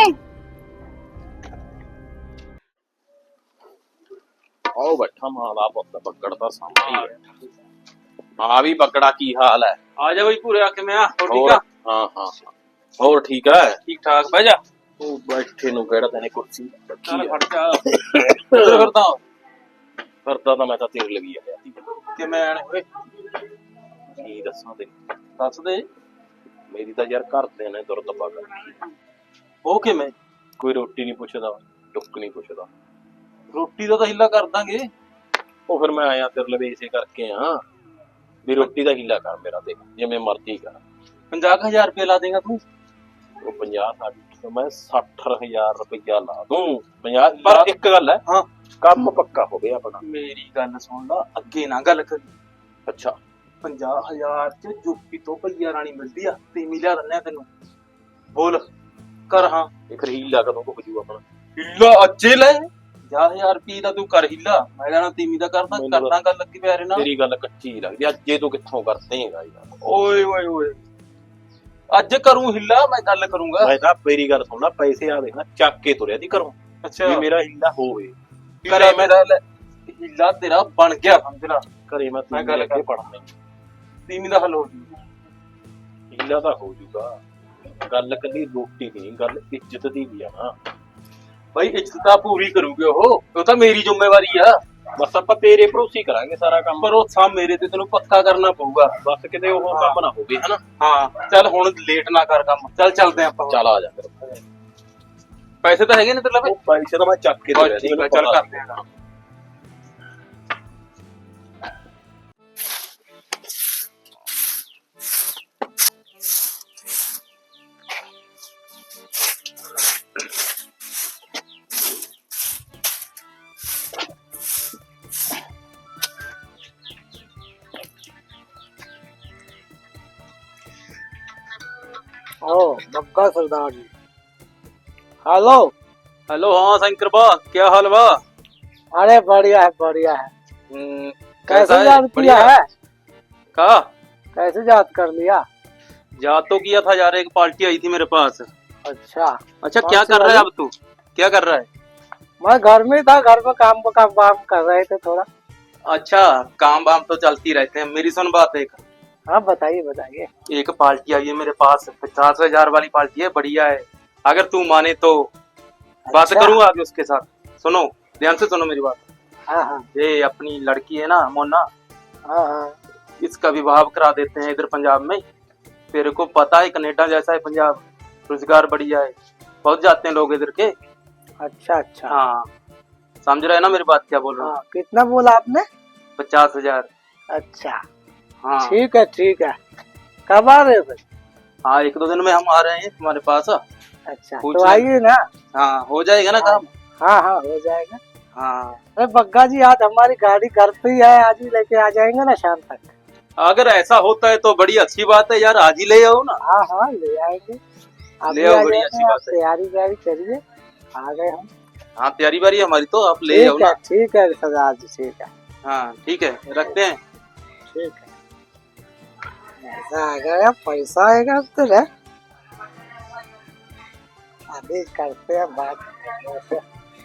ਆਓ ਬੈਠਾ ਮਾਂ ਦਾ ਪੁੱਤ ਬੱਗੜ ਦਾ ਸਾਹਮਣੇ ਹੀ ਹੈ ਹਾਂ ਵੀ ਬੱਗੜਾ ਕੀ ਹਾਲ ਹੈ ਆ ਜਾ ਬਈ ਪੂਰੇ ਆ ਕੇ ਮੈਂ ਆ ਹੋਰ ਠੀਕ ਹੋਰ ਆ ਹਾਂ ਹਾਂ ਹਾਂ। ਹੋਰ ਠੀਕ ਹੈ ਠੀਕ ਠਾਕ ਬਹਿ ਜਾ ਤੂੰ ਬੈਠੇ ਨੂੰ ਕਿਹੜਾ ਤੈਨੇ ਕੁਰਸੀ ਰੱਖੀ ਚੱਲ ਹੈ ਫੜ ਜਾ ਕਿੱਧਰ ਫਿਰਦਾ ਕਰਦਾ ਤਾਂ ਮੈਂ ਤਾਂ ਤੇਰੇ ਲਈ ਆਇਆ ਸੀ ਕਿਵੇਂ ਆਣੇ ਓਏ ਕੀ ਦੱਸਾਂ ਤੇ ਦੱਸ ਦੇ ਮੇਰੀ ਤਾਂ ਯਾਰ ਘਰ ਦੇ ਨੇ ਦੁਰਦ ਪਾ ਕਰ ਉਹ ਕਿਵੇਂ ਕੋਈ ਰੋਟੀ ਨਹੀਂ ਪੁੱਛਦਾ ਟੁੱਕ ਨਹੀਂ ਪੁੱਛਦਾ ਰੋਟੀ ਦਾ ਤਾਂ ਹਿੱਲਾ ਕਰ ਦਾਂਗੇ ਉਹ ਫਿਰ ਮੈਂ ਆਇਆ ਤੇਰੇ ਲਈ ਇਸੇ ਕਰਕੇ ਆ ਵੀ ਰੋਟੀ ਦਾ ਹੀਲਾ ਕਰ ਮੇਰਾ ਤੇ ਜਿਵੇਂ ਮਰਜ਼ੀ ਕਰ ਪੰਜਾਹ ਕੁ ਹਜ਼ਾਰ ਰੁਪਏ ਲਾ ਦੇਗਾ ਤੂੰ ਉਹ ਪੰਜਾਹ ਸੱਠ ਮੈਂ ਸੱਠ ਹਜ਼ਾਰ ਰੁਪਇਆ ਲਾ ਦੂੰ ਪੰਜਾਹ ਪਰ ਇੱਕ ਗੱਲ ਹੈ ਹਾਂ ਕੰਮ ਪੱਕਾ ਹੋ ਗਿਆ ਆਪਣਾ ਮੇਰੀ ਗੱਲ ਸੁਣ ਲਾ ਅੱਗੇ ਨਾ ਗੱਲ ਕਰੀ ਅੱਛਾ ਪੰਜਾਹ ਹਜ਼ਾਰ ਚ ਜੁੱਪੀ ਤੋਂ ਭਈਆ ਰਾਣੀ ਮਿਲਦੀ ਆ ਤੇ ਮਿਲਿਆ ਦਿੰਨੇ ਤੈਨੂੰ ਬੋਲ ਕਰ ਹਾਂ ਇਹ ਫਿਰ ਹੀਲਾ ਕਦੋਂ ਹੋ ਜੂ ਆਪਣਾ ਹਿੱਲਾ ਅੱਜੇ ਲੈ ਪੰਜਾਹ ਹਜ਼ਾਰ ਰੁਪਏ ਦਾ ਤੂੰ ਕਰ ਹਿੱਲਾ ਮੈਂ ਲੈਣਾ ਤੀਵੀਂ ਦਾ ਕਰਦਾ ਮੈਨੂੰ ਕਰਦਾ ਗੱਲ ਲੱਗੀ ਪਿਆਰੇ ਨਾਲ ਤੇਰੀ ਗੱਲ ਕੱਚੀ ਲੱਗਦੀ ਅੱਜ ਜੇ ਤੂੰ ਕਿੱਥੋਂ ਕਰਦੇਗਾ ਯਾਰ ਓਏ ਓਏ ਓਏ ਅੱਜ ਕਰੂੰ ਹਿੱਲਾ ਮੈਂ ਗੱਲ ਕਰੂੰਗਾ ਮੈਂ ਤਾਂ ਮੇਰੀ ਗੱਲ ਸੁਣ ਲੈ ਪੈਸੇ ਆ ਦੇਣਾ ਚੱਕ ਕੇ ਤੁਰਿਆ ਦੀ ਘਰੋਂ ਅੱਛਾ ਵੀ ਮੇਰਾ ਹੀਲਾ ਹੋਵੇ ਕਰੇ ਮੇਰਾ ਹਿੱਲਾ ਤੇਰਾ ਬਣ ਗਿਆ ਸਮਝ ਲਾ ਘਰੇ ਮੈਂ ਮੈਂ ਤੈਨੂੰ ਗੱਲ ਲੈ ਕੇ ਕਰ- ਪੜਨਾ ਤੀਵੀਂ ਦਾ ਹੱਲ ਹੋ ਜੂ ਹੀਲਾ ਤਾਂ ਹੋ ਜੂਗਾ ਗੱਲ ਕੱਲੀ ਰੋਟੀ ਦੀ ਨਹੀਂ ਗੱਲ ਇੱਜ਼ਤ ਦੀ ਵੀ ਆ ਨਾ ਭਾਈ ਇੱਜ਼ਤ ਤਾਂ ਪੂਰੀ ਕਰੂਗੇ ਉਹ ਉਹ ਤਾਂ ਮੇਰੀ ਜ਼ਿੰਮੇਵਾਰੀ ਆ ਬਸ ਆਪਾਂ ਤੇਰੇ ਭਰੋਸੇ ਕਰਾਂਗੇ ਸਾਰਾ ਕੰਮ ਪਰ ਉਹ ਸਾ ਮੇਰੇ ਤੇ ਤੈਨੂੰ ਪੱਕਾ ਕਰਨਾ ਪਊਗਾ ਬਸ ਕਿਤੇ ਉਹ ਕੰਮ ਨਾ ਹੋਵੇ ਹਨਾ ਹਾਂ ਚੱਲ ਹੁਣ ਲੇਟ ਨਾ ਕਰ ਕੰਮ ਚੱਲ ਚੱਲਦੇ ਆਪਾਂ ਚੱਲ ਆ ਜਾ ਫਿਰ ਪੈਸੇ ਤਾਂ ਹੈਗੇ ਨੇ ਤੇਰੇ ਲਵੇ ਉਹ ਪੈਸੇ ਤਾਂ ਮੈਂ ਚੱਕ ਕੇ ਤੁਰਿਆ ਸੀ ਠੀਕ ਆ ਮੈਨੂੰ ਚੱਲ ਪਤਾ। ਕਰਦੇ ਆ ओ बग्गा सरदार जी हेलो हेलो हाँ शंकर बा क्या हाल बा अरे बढ़िया है बढ़िया है हम्म, कैसे कैसा याद किया बढ़िया है का कैसे याद कर लिया याद तो किया था यार एक पार्टी आई थी मेरे पास अच्छा अच्छा कौन क्या सी कर रहा है वाली? अब तू क्या कर रहा है मैं घर में था घर में काम काम काम कर रहे थे थोड़ा अच्छा काम वाम तो चलती रहते हैं मेरी सुन बात एक हाँ बताइए बताइए एक पार्टी आई है मेरे पास पचास हजार वाली पार्टी है बढ़िया है अगर तू माने तो बात अच्छा। करूँ आगे उसके साथ सुनो ध्यान से सुनो मेरी बात हाँ हाँ ये अपनी लड़की है ना मोना हाँ हाँ इसका विवाह करा देते हैं इधर पंजाब में तेरे को पता है कनेडा जैसा है पंजाब रोजगार बढ़िया है बहुत जाते हैं लोग इधर के अच्छा अच्छा हाँ समझ रहे हैं ना मेरी बात क्या बोल रहा हूँ हाँ कितना बोला आपने पचास हजार अच्छा हाँ ठीक है ठीक है कब आ रहे हो फिर हाँ एक दो दिन में हम आ रहे हैं तुम्हारे पास अच्छा पूछ तो ले। आइए ना हाँ हो जाएगा ना काम हाँ हाँ हो जाएगा हाँ अरे बग्गा जी आज हमारी गाड़ी घर पे ही है आज ही लेके आ जाएंगे ना शाम तक अगर ऐसा होता है तो बड़ी अच्छी बात है यार आज ही ले आओ ना हाँ हाँ ले आएंगे अभी ले आओ, आ बड़ी जाएंगे, अच्छी आप बात है। तैयारी व्यारी करिए आ गए हम हाँ तैयारी बारी हमारी तो आप ले आओ ठीक है ना ठीक है सरदार जी ठीक है हाँ ठीक है रखते हैं ठीक है पैसा आ गया पैसा आएगा अब तो रे अभी करते हैं बात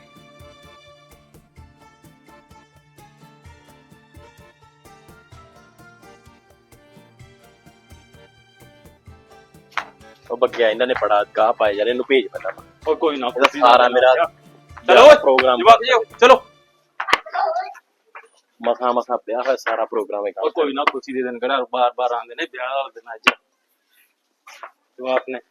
ਉਹ ਬੱਗਿਆ ਇਹਨਾਂ ਨੇ ਬੜਾ ਗਾਹ ਪਾਇਆ ਯਾਰ ਇਹਨੂੰ ਭੇਜ ਪਹਿਲਾਂ और कोई ना ਇਹਦਾ ਸਾਰਾ ਮੇਰਾ चलो ਪ੍ਰੋਗਰਾਮ जवाब दीजिए, चलो ਮਸਾ ਮਸਾ ਪਿਆ ਹੋਇਆ ਸਾਰਾ ਪ੍ਰੋਗਰਾਮ ਹੈ और कोई ना खुशी दे दिन करा बार बार आंदे ने ब्याह वाला दिन अज तो आपने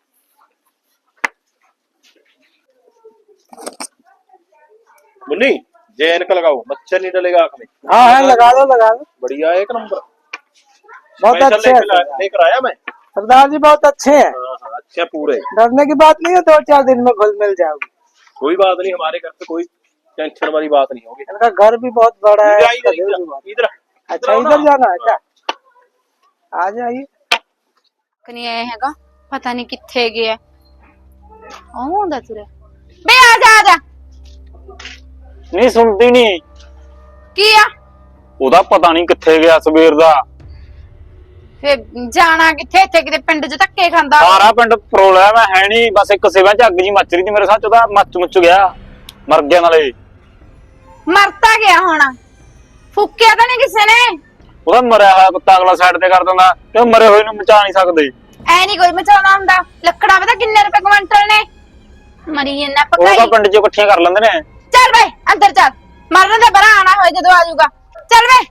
मुन्नी जैनक लगाओ मच्छर नहीं डलेगा आंख में हाँ हाँ लगा लो लगा लो बढ़िया एक नंबर बहुत स्पेशल अच्छे हैं लेकर लेकर आया मैं सरदार जी बहुत अच्छे हैं हाँ हाँ अच्छा पूरे डरने की बात नहीं है दो चार दिन में घुल मिल जाओगे कोई बात नहीं हमारे घर पे कोई टेंशन वाली बात नहीं होगी। इनका घर भी बहुत बड़ा है। इधर इधर इधर इधर अच्छा इधर जाना है क्या? आ जाइए। ਕਨੀ ਆਇਆ ਹੈਗਾ ਪਤਾ ਨਹੀਂ ਕਿੱਥੇ ਗਿਆ ਆਉਂਦਾ ਤੁਰੇ ਬੇ ਆ ਜਾ ਆ ਜਾ ਨਹੀਂ ਸੁਣਦੀ ਨਹੀਂ ਕੀ ਆ ਉਹਦਾ ਪਤਾ ਨਹੀਂ ਕਿੱਥੇ ਗਿਆ ਸਵੇਰ ਦਾ ਫੇ ਜਾਣਾ ਕਿੱਥੇ ਇੱਥੇ ਕਿਤੇ ਪਿੰਡ 'ਚ ਧੱਕੇ ਖਾਂਦਾ ਸਾਰਾ ਪਿੰਡ ਪ੍ਰੋਬਲਮ ਹੈ ਨਹੀਂ ਬਸ ਇੱਕ ਸਿਵਾਂ ਚ ਅੱਗ ਜੀ ਮੱਚ ਰਹੀ ਸੀ ਮੇਰੇ ਸਾਥ ਉਹਦਾ ਮੱਚ ਮੁੱਚ ਗਿਆ ਮਰ ਗਿਆ ਨਾਲੇ ਮਰਤਾ ਗਿਆ ਹੁਣ ਫੁੱਕਿਆ ਤਾਂ ਨਹੀਂ ਕਿਸੇ ਨੇ ਉਹਦਾ ਮਰਿਆ ਹੋਇਆ ਕੁੱਤਾ ਅਗਲਾ ਸਾਈਡ ਤੇ ਕਰ ਦਿੰਦਾ ਤੇ ਮਰੇ ਹੋਏ ਨੂੰ ਮਚਾ ਨਹੀਂ ਸਕਦੇ ਐ ਨਹੀਂ ਕੋਈ ਮਚਾਉਣਾ ਹੁੰਦਾ ਲੱਕੜਾ ਪਤਾ ਕਿੰਨੇ ਰੁਪਏ ਕੁਇੰਟਲ ਨੇ ਮਰੀ ਇਹਨਾਂ ਉਹ ਪਕਾਈ ਤਾਂ ਪਿੰਡ ਚੋਂ ਇਕੱਠੀਆਂ ਕਰ ਲੈਂਦੇ ਨੇ ਚੱਲ ਵੇ ਅੰਦਰ ਚੱਲ ਮਰਨ ਦੇ ਬਰਾ ਆਣਾ ਹੋਏ ਜਦੋਂ ਆ ਜਾਊਗਾ ਚੱਲ ਵੇ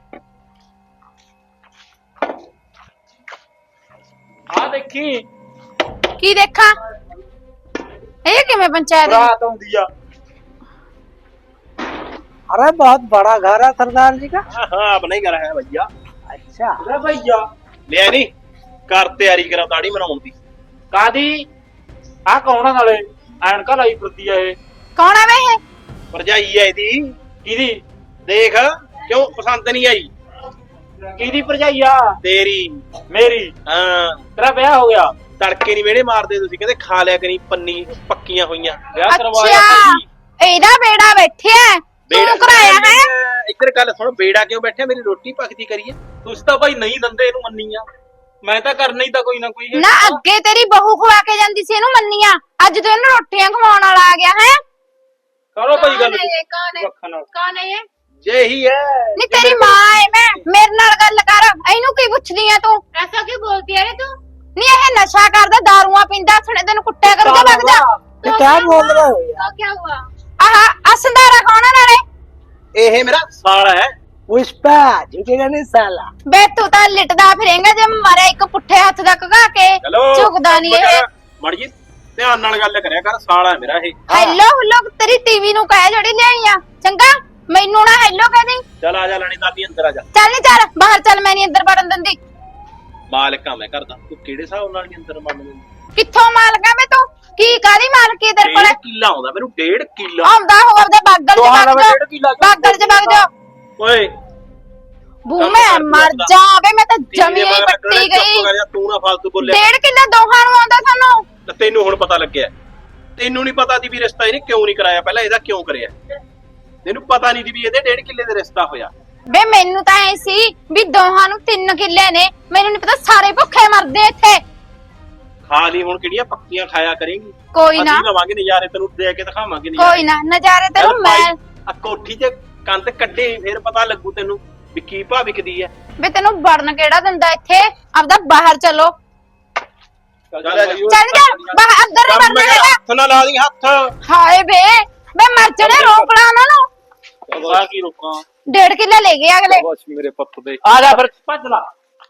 ਆ ਦੇਖੀ ਕੀ ਦੇਖਾਂ ਇਹ ਕਿਵੇਂ ਪੰਚਾਇਤ ਰਾਤ ਆਉਂਦੀ ਆ अरे बहुत बड़ा घर है सरदार जी का। हाँ हाँ अपना ही घर है भैया। अच्छा ਅਰੇ ਭਈਆ ले नहीं कर तैयारी करा दाढ़ी बनाउन दी। ਕਾਦੀ ਆ ਕੌਣ ਆ ਨਾਲੇ ਐਨਕਾ ਲਾਈ ਫਿਰਦੀ ਆ ਇਹ ਕੌਣ ਆ ਵੇ ਇਹ भरजाई है दी ਕਿਹਦੀ देख क्यों पसंद नहीं आई ਕਿਹਦੀ ਭਰਜਾਈ ਆ तेरी। ਮੇਰੀ हाँ ਤੇਰਾ ਵਿਆਹ ਹੋ ਗਿਆ ਤੜਕੇ ਨਹੀਂ ਵੇੜੇ ਮਾਰਦੇ ਤੁਸੀਂ ਕਹਿੰਦੇ ਖਾ ਲਿਆ ਕਰੀ ਪੰਨੀ ਪੱਕੀਆਂ ਹੋਈਆਂ ਵਿਆਹ ਕਰਵਾਇਆ ਅੱਛਾ ਭਾਈ। ਇਹਦਾ ਬੇੜਾ ਬੈਠਿਆ ਤੂੰ ਕਰਾਇਆ ਹੈ ਇੱਧਰ ਗੱਲ ਸੁਣ ਬੇੜਾ ਕਿਉਂ ਬੈਠਿਆ ਮੇਰੀ ਰੋਟੀ ਪੱਕਦੀ ਕਰੀਏ ਤੁਸੀਂ ਤਾਂ ਭਾਈ ਨਹੀਂ ਦੰਦੇ ਇਹਨੂੰ ਮੰਨੀ ਆ ਮੈਂ ਤਾਂ ਕਰਨਾ ਹੀ ਤਾਂ ਕੋਈ ਨਾ ਕੋਈ ਹੈ ਨਾ ਅੱਗੇ ਤੇਰੀ ਬਹੂ ਖਵਾ ਕੇ ਜਾਂਦੀ ਸੀ ਇਹਨੂੰ ਮੰਨੀਆਂ ਅੱਜ ਤੂੰ ਇਹਨੂੰ ਰੋਟੀਆਂ ਖਵਾਉਣ ਵਾਲਾ ਆ ਗਿਆ ਹੈ ਕਰੋ ਭਾਈ ਗੱਲ ਕੌਣ ਹੈ ਅੱਖਾਂ ਨਾਲ ਕੌਣ ਹੈ ਇਹ ਜੇ ਹੀ ਹੈ ਨਹੀਂ ਤੇਰੀ ਮਾਂ ਹੈ ਮੈਂ ਮੇਰੇ ਨਾਲ ਗੱਲ ਕਰ ਇਹਨੂੰ ਕੀ ਪੁੱਛਦੀ ਆ ਤੂੰ ਐਸਾ ਕੀ ਬੋਲਦੀ ਹੈ ਤੂੰ ਨਹੀਂ ਇਹ ਨਸ਼ਾ ਕਰਦਾ ਦਾਰੂਆਂ ਪੀਂਦਾ ਸੁਣੇ ਤੈਨੂੰ ਕੁੱਟਿਆ ਕਰੂਗਾ ਵਗ ਜਾ ये क्या बोल रहे हो यार? ਕੀ ਹੁਆ ਆਹ ਅਸੰਦਾਰਾ ਕੌਣ ਹੈ ਨਾਲੇ ਇਹ ਮੇਰਾ ਸਾਲਾ ਹੈ पुष्पा झुकेगा नहीं साला। ਬੇ ਤੂੰ ਤਾਂ ਲਿਟਦਾ ਫਿਰੇਂਗਾ ਜੇ ਮਾਰਿਆ ਇੱਕ ਪੁੱਠੇ ਹੱਥ ਦਾ ਕਗਾ ਕੇ ਚਲੋ ਝੁਕਦਾ ਨਹੀਂ ਇਹ ਮੜ ਜੀ ਧਿਆਨ ਨਾਲ ਗੱਲ ਕਰਿਆ ਕਰ ਸਾਲਾ ਹੈ ਮੇਰਾ ਇਹ ਹੈਲੋ ਹੁਲੋ ਤੇਰੀ ਟੀਵੀ ਨੂੰ ਕਹਿ ਜਿਹੜੀ ਲਿਆਈ ਆ ਚੰਗਾ ਮੈਨੂੰ ਨਾ ਹੈਲੋ ਕਹਿ ਦੇ ਚੱਲ ਆ ਜਾ ਲੈਣੀ ਦਾਦੀ ਅੰਦਰ ਆ ਜਾ ਚੱਲ ਨੀ ਚੱਲ ਬਾਹਰ ਚੱਲ ਮੈਂ ਨਹੀਂ ਅੰਦਰ ਵੜਨ ਦਿੰਦੀ ਮਾਲਕਾਂ ਮੈਂ ਕਰਦਾ ਤੂੰ ਕਿਹੜੇ ਹਿਸਾਬ ਨਾਲ ਨਹੀਂ ਅੰਦਰ ਮੰਨ ਲੈਂਦੀ ਕਿੱਥੋਂ ਮਾਲਕਾ ਵੇ ਤੂੰ ਕੀ ਕਾਦੀ ਮਾਲਕੀ ਤੇਰੇ ਕੋਲ ਡੇਢ ਕਿੱਲਾ ਆਉਂਦਾ ਮੈਨੂੰ ਡੇਢ ਕਿੱਲਾ ਆਉਂਦਾ ਹੋ ਆਪਦੇ ਬਾਗਲ ਚ ਦੋਹਾਂ ਦਾ ਵਗ ਡੇਢ ਕਿੱਲਾ ਜਾ ਬਾਗਲ ਚ ਵਗ ਜਾ ਓਏ ਬੂ ਮੈਂ ਮਰ ਜਾ ਵੇ ਮੈਂ ਤਾਂ ਜਮੀ ਹੀ ਪੱਟੀ ਗਈ ਤੂੰ ਨਾ ਫालतू ਬੋਲਿਆ ਡੇਢ ਕਿੱਲਾ ਦੋਹਾਂ ਨੂੰ ਆਉਂਦਾ ਸਾਨੂੰ ਤੇ ਤੈਨੂੰ ਹੁਣ ਪਤਾ ਲੱਗਿਆ ਤੈਨੂੰ ਨਹੀਂ ਪਤਾ ਸੀ ਵੀ ਰਿਸ਼ਤਾ ਇਹਨੇ ਕਿਉਂ ਨਹੀਂ ਕਰਾਇਆ ਪਹਿਲਾਂ ਇਹਦਾ ਕਿਉਂ ਕਰਿਆ ਤੈਨੂੰ ਪਤਾ ਨਹੀਂ ਸੀ ਵੀ ਇਹਦੇ ਡੇਢ ਕਿੱਲੇ ਦੇ ਰਿਸ਼ਤਾ ਹੋਇਆ ਵੇ ਮੈਨੂੰ ਤਾਂ ਐ ਸੀ ਵੀ ਦੋਹਾਂ ਨੂੰ ਤਿੰਨ ਕਿੱਲੇ ਨੇ ਮੈਨੂੰ ਨਹੀਂ ਪਤਾ ਸਾਰੇ ਭੁੱਖੇ ਮਰਦੇ ਇੱਥੇ ਖਾ ਲਈ ਹੁਣ ਕਿਹੜੀਆਂ ਪੱਕੀਆਂ ਖਾਇਆ ਕਰੇਂਗੀ ਕੋਈ ਨਾ ਅਸੀਂ ਲਵਾਂਗੇ ਨਜ਼ਾਰੇ ਤੈਨੂੰ ਦੇ ਕੇ ਦਿਖਾਵਾਂਗੇ ਕੋਈ ਨਾ ਨਜ਼ਾਰੇ ਤੈਨੂੰ ਮੈਂ ਆ ਕੋਠੀ 'ਚ ਕੰਧ ਕੱਢੇ ਫਿਰ ਪਤਾ ਲੱਗੂ ਤੈਨੂੰ ਵੀ ਕੀ ਭਾਅ ਵਿਕਦੀ ਹੈ ਵੇ ਤੈਨੂੰ ਵੜਨ ਕਿਹੜਾ ਦਿੰਦਾ ਇੱਥੇ ਆਪਦਾ ਬਾਹਰ ਚਲੋ ਚੱਲ ਚੱਲ ਜਾ ਬਾਹਰ ਅੰਦਰ ਨਹੀਂ ਵੜਨਾ ਹੈਗਾ ਹੱਥ ਨਾ ਲਾ ਦੀ ਹੱਥ ਹਾਏ ਵੇ ਵੇ ਮਰ ਜਣੇ ਰੋਕਣਾ ਉਹਨਾਂ ਨੂੰ ਆ ਕੀ ਰੁਕਾਂ ਡੇਢ ਕਿੱਲਾ ਲੈ ਗਏ ਅਗਲੇ ਬਸ ਮੇਰੇ ਪੁੱਤ ਦੇ ਆ ਜਾ ਫਿਰ ਭੱਜ ਲਾ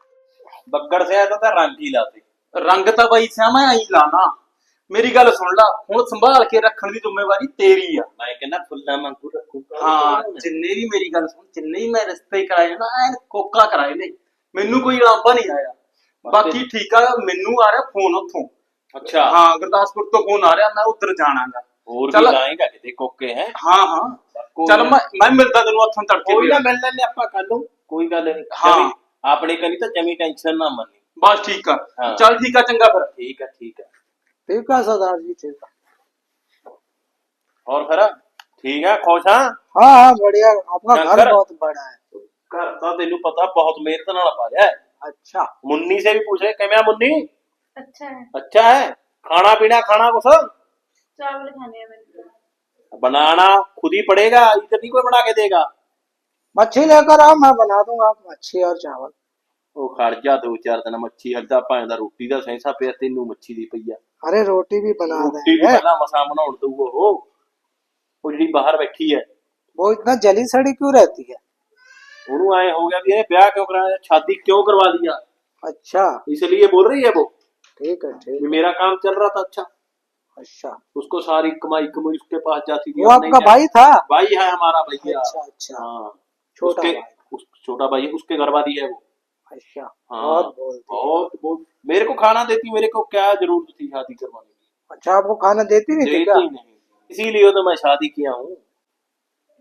ਬੱਗੜ ਸਿਆ ਤਾਂ ਰੰਗ ਹੀ ਲਾਤੇ ਰੰਗ ਤਾਂ ਬਾਈ ਸਿਆ ਮੈਂ ਆਈ ਲਾਣਾ ਮੇਰੀ ਗੱਲ ਸੁਣ ਲਾ ਹੁਣ ਸੰਭਾਲ ਕੇ ਰੱਖਣ ਦੀ ਜ਼ਿੰਮੇਵਾਰੀ ਤੇਰੀ ਆ ਮੈਂ ਕਹਿੰਦਾ ਫੁੱਲਾਂ ਵਾਂਗੂ ਰੱਖੂਗਾ ਹਾਂ ਜਿੰਨੇ ਵੀ ਮੇਰੀ ਗੱਲ ਸੁਣ ਜਿੰਨੇ ਵੀ ਮੈਂ ਰਿਸ਼ਤੇ ਕਰਾਏ ਨਾ ਐਨ ਕੋਕਾ ਕਰਾਏ ਨੇ ਮੈਨੂੰ ਕੋਈ ਲਾਂਭਾ ਨਹੀਂ ਆਇਆ ਬਾਕੀ ਠੀਕ ਆ ਮੈਨੂੰ ਆ ਰਿਹਾ ਫੋਨ ਉੱਥੋਂ ਅੱਛਾ ਹਾਂ ਗੁਰਦਾਸਪੁਰ ਤੋਂ ਫੋਨ ਆ ਰਿਹਾ ਮੈਂ ਉੱਧਰ ਜਾਣਾਗਾ ਹੋਰ ਚੱਲ। ਵੀ ਲਾਏਗਾ ਕਿਤੇ ਕੋਕੇ ਹੈ ਹਾਂ ਹਾਂ ਚੱਲ ਮੈਂ ਮੈਂ ਮਿਲਦਾ ਤੈਨੂੰ ਉੱਥੋਂ ਤੜਕੇ ਕੋਈ ਵੀ। ਨਾ ਮਿਲ ਲੈਣੇ ਆਪਾਂ ਕੱਲ ਨੂੰ ਕੋਈ ਗੱਲ ਨਹੀਂ ਹਾਂ। ਆਪਣੇ ਕਨੀ ਤਾਂ ਜਮੀ ਟੈਨਸ਼ਨ ਨਾ ਮੰਨੀ ਬਸ ਠੀਕ ਆ ਹਾਂ। ਚੱਲ ਠੀਕ ਆ ਚੰਗਾ ਫਿਰ ਠੀਕ ਹੈ ठीक है ठीक है सरदार जी ठीक है। और फिर ठीक है खुश हाँ हाँ हाँ बढ़िया आपका घर शंकर। बहुत बड़ा है। घर तो तेन पता बहुत मेहनत नाल पाया है अच्छा मुन्नी से भी पूछे किमें मुन्नी अच्छा है अच्छा है खाना पीना खाना कुछ चावल खाने हैं बनाना खुद ही पड़ेगा इधर नहीं कोई बना के देगा मच्छी लेकर आओ मैं बना दूंगा मच्छी और चावल। ਉਹ ਖੜ ਜਾ ਦੋ ਚਾਰ ਦਿਨ ਮੱਛੀ ਹਲਦਾ ਭਾਵੇਂ ਦਾ ਰੋਟੀ ਦਾ ਸੈਂਸਾ ਪਿਆ ਤੈਨੂੰ ਮੱਛੀ ਦੀ ਪਈ ਆ अरे रोटी भी बना ਰੋਟੀ ਵੀ देंगे। ਪਹਿਲਾਂ ਮਸਾਂ ਬਣਾਉਣ ਦਊ ਉਹ ਉਹ ਜਿਹੜੀ ਬਾਹਰ ਬੈਠੀ ਹੈ वो इतना जली सड़ी क्यों रहती है? ਉਹਨੂੰ ਐ ਹੋ ਗਿਆ ਵੀ ਇਹ ਵਿਆਹ ਕਿਉਂ ਕਰਾਇਆ शादी क्यों करवा दिया अच्छा इसलिए बोल रही है वो ठीक है ठीक कि मेरा काम चल रहा था अच्छा है। अच्छा उसको सारी कमाई कमाई उसके पास जाती थी वो अब नहीं आपका जाती। भाई था? भाई है हमारा भैया अच्छा अच्छा हाँ छोटा उसके भाई। उस, छोटा भाई है, उसके घर वाली है वो अच्छा हाँ बहुत बोलती है। बहुत बहुत मेरे को खाना देती मेरे को क्या जरूरत थी शादी करवाने की अच्छा आपको खाना देती नहीं थी देती क्या? नहीं इसीलिए तो मैं शादी किया हूँ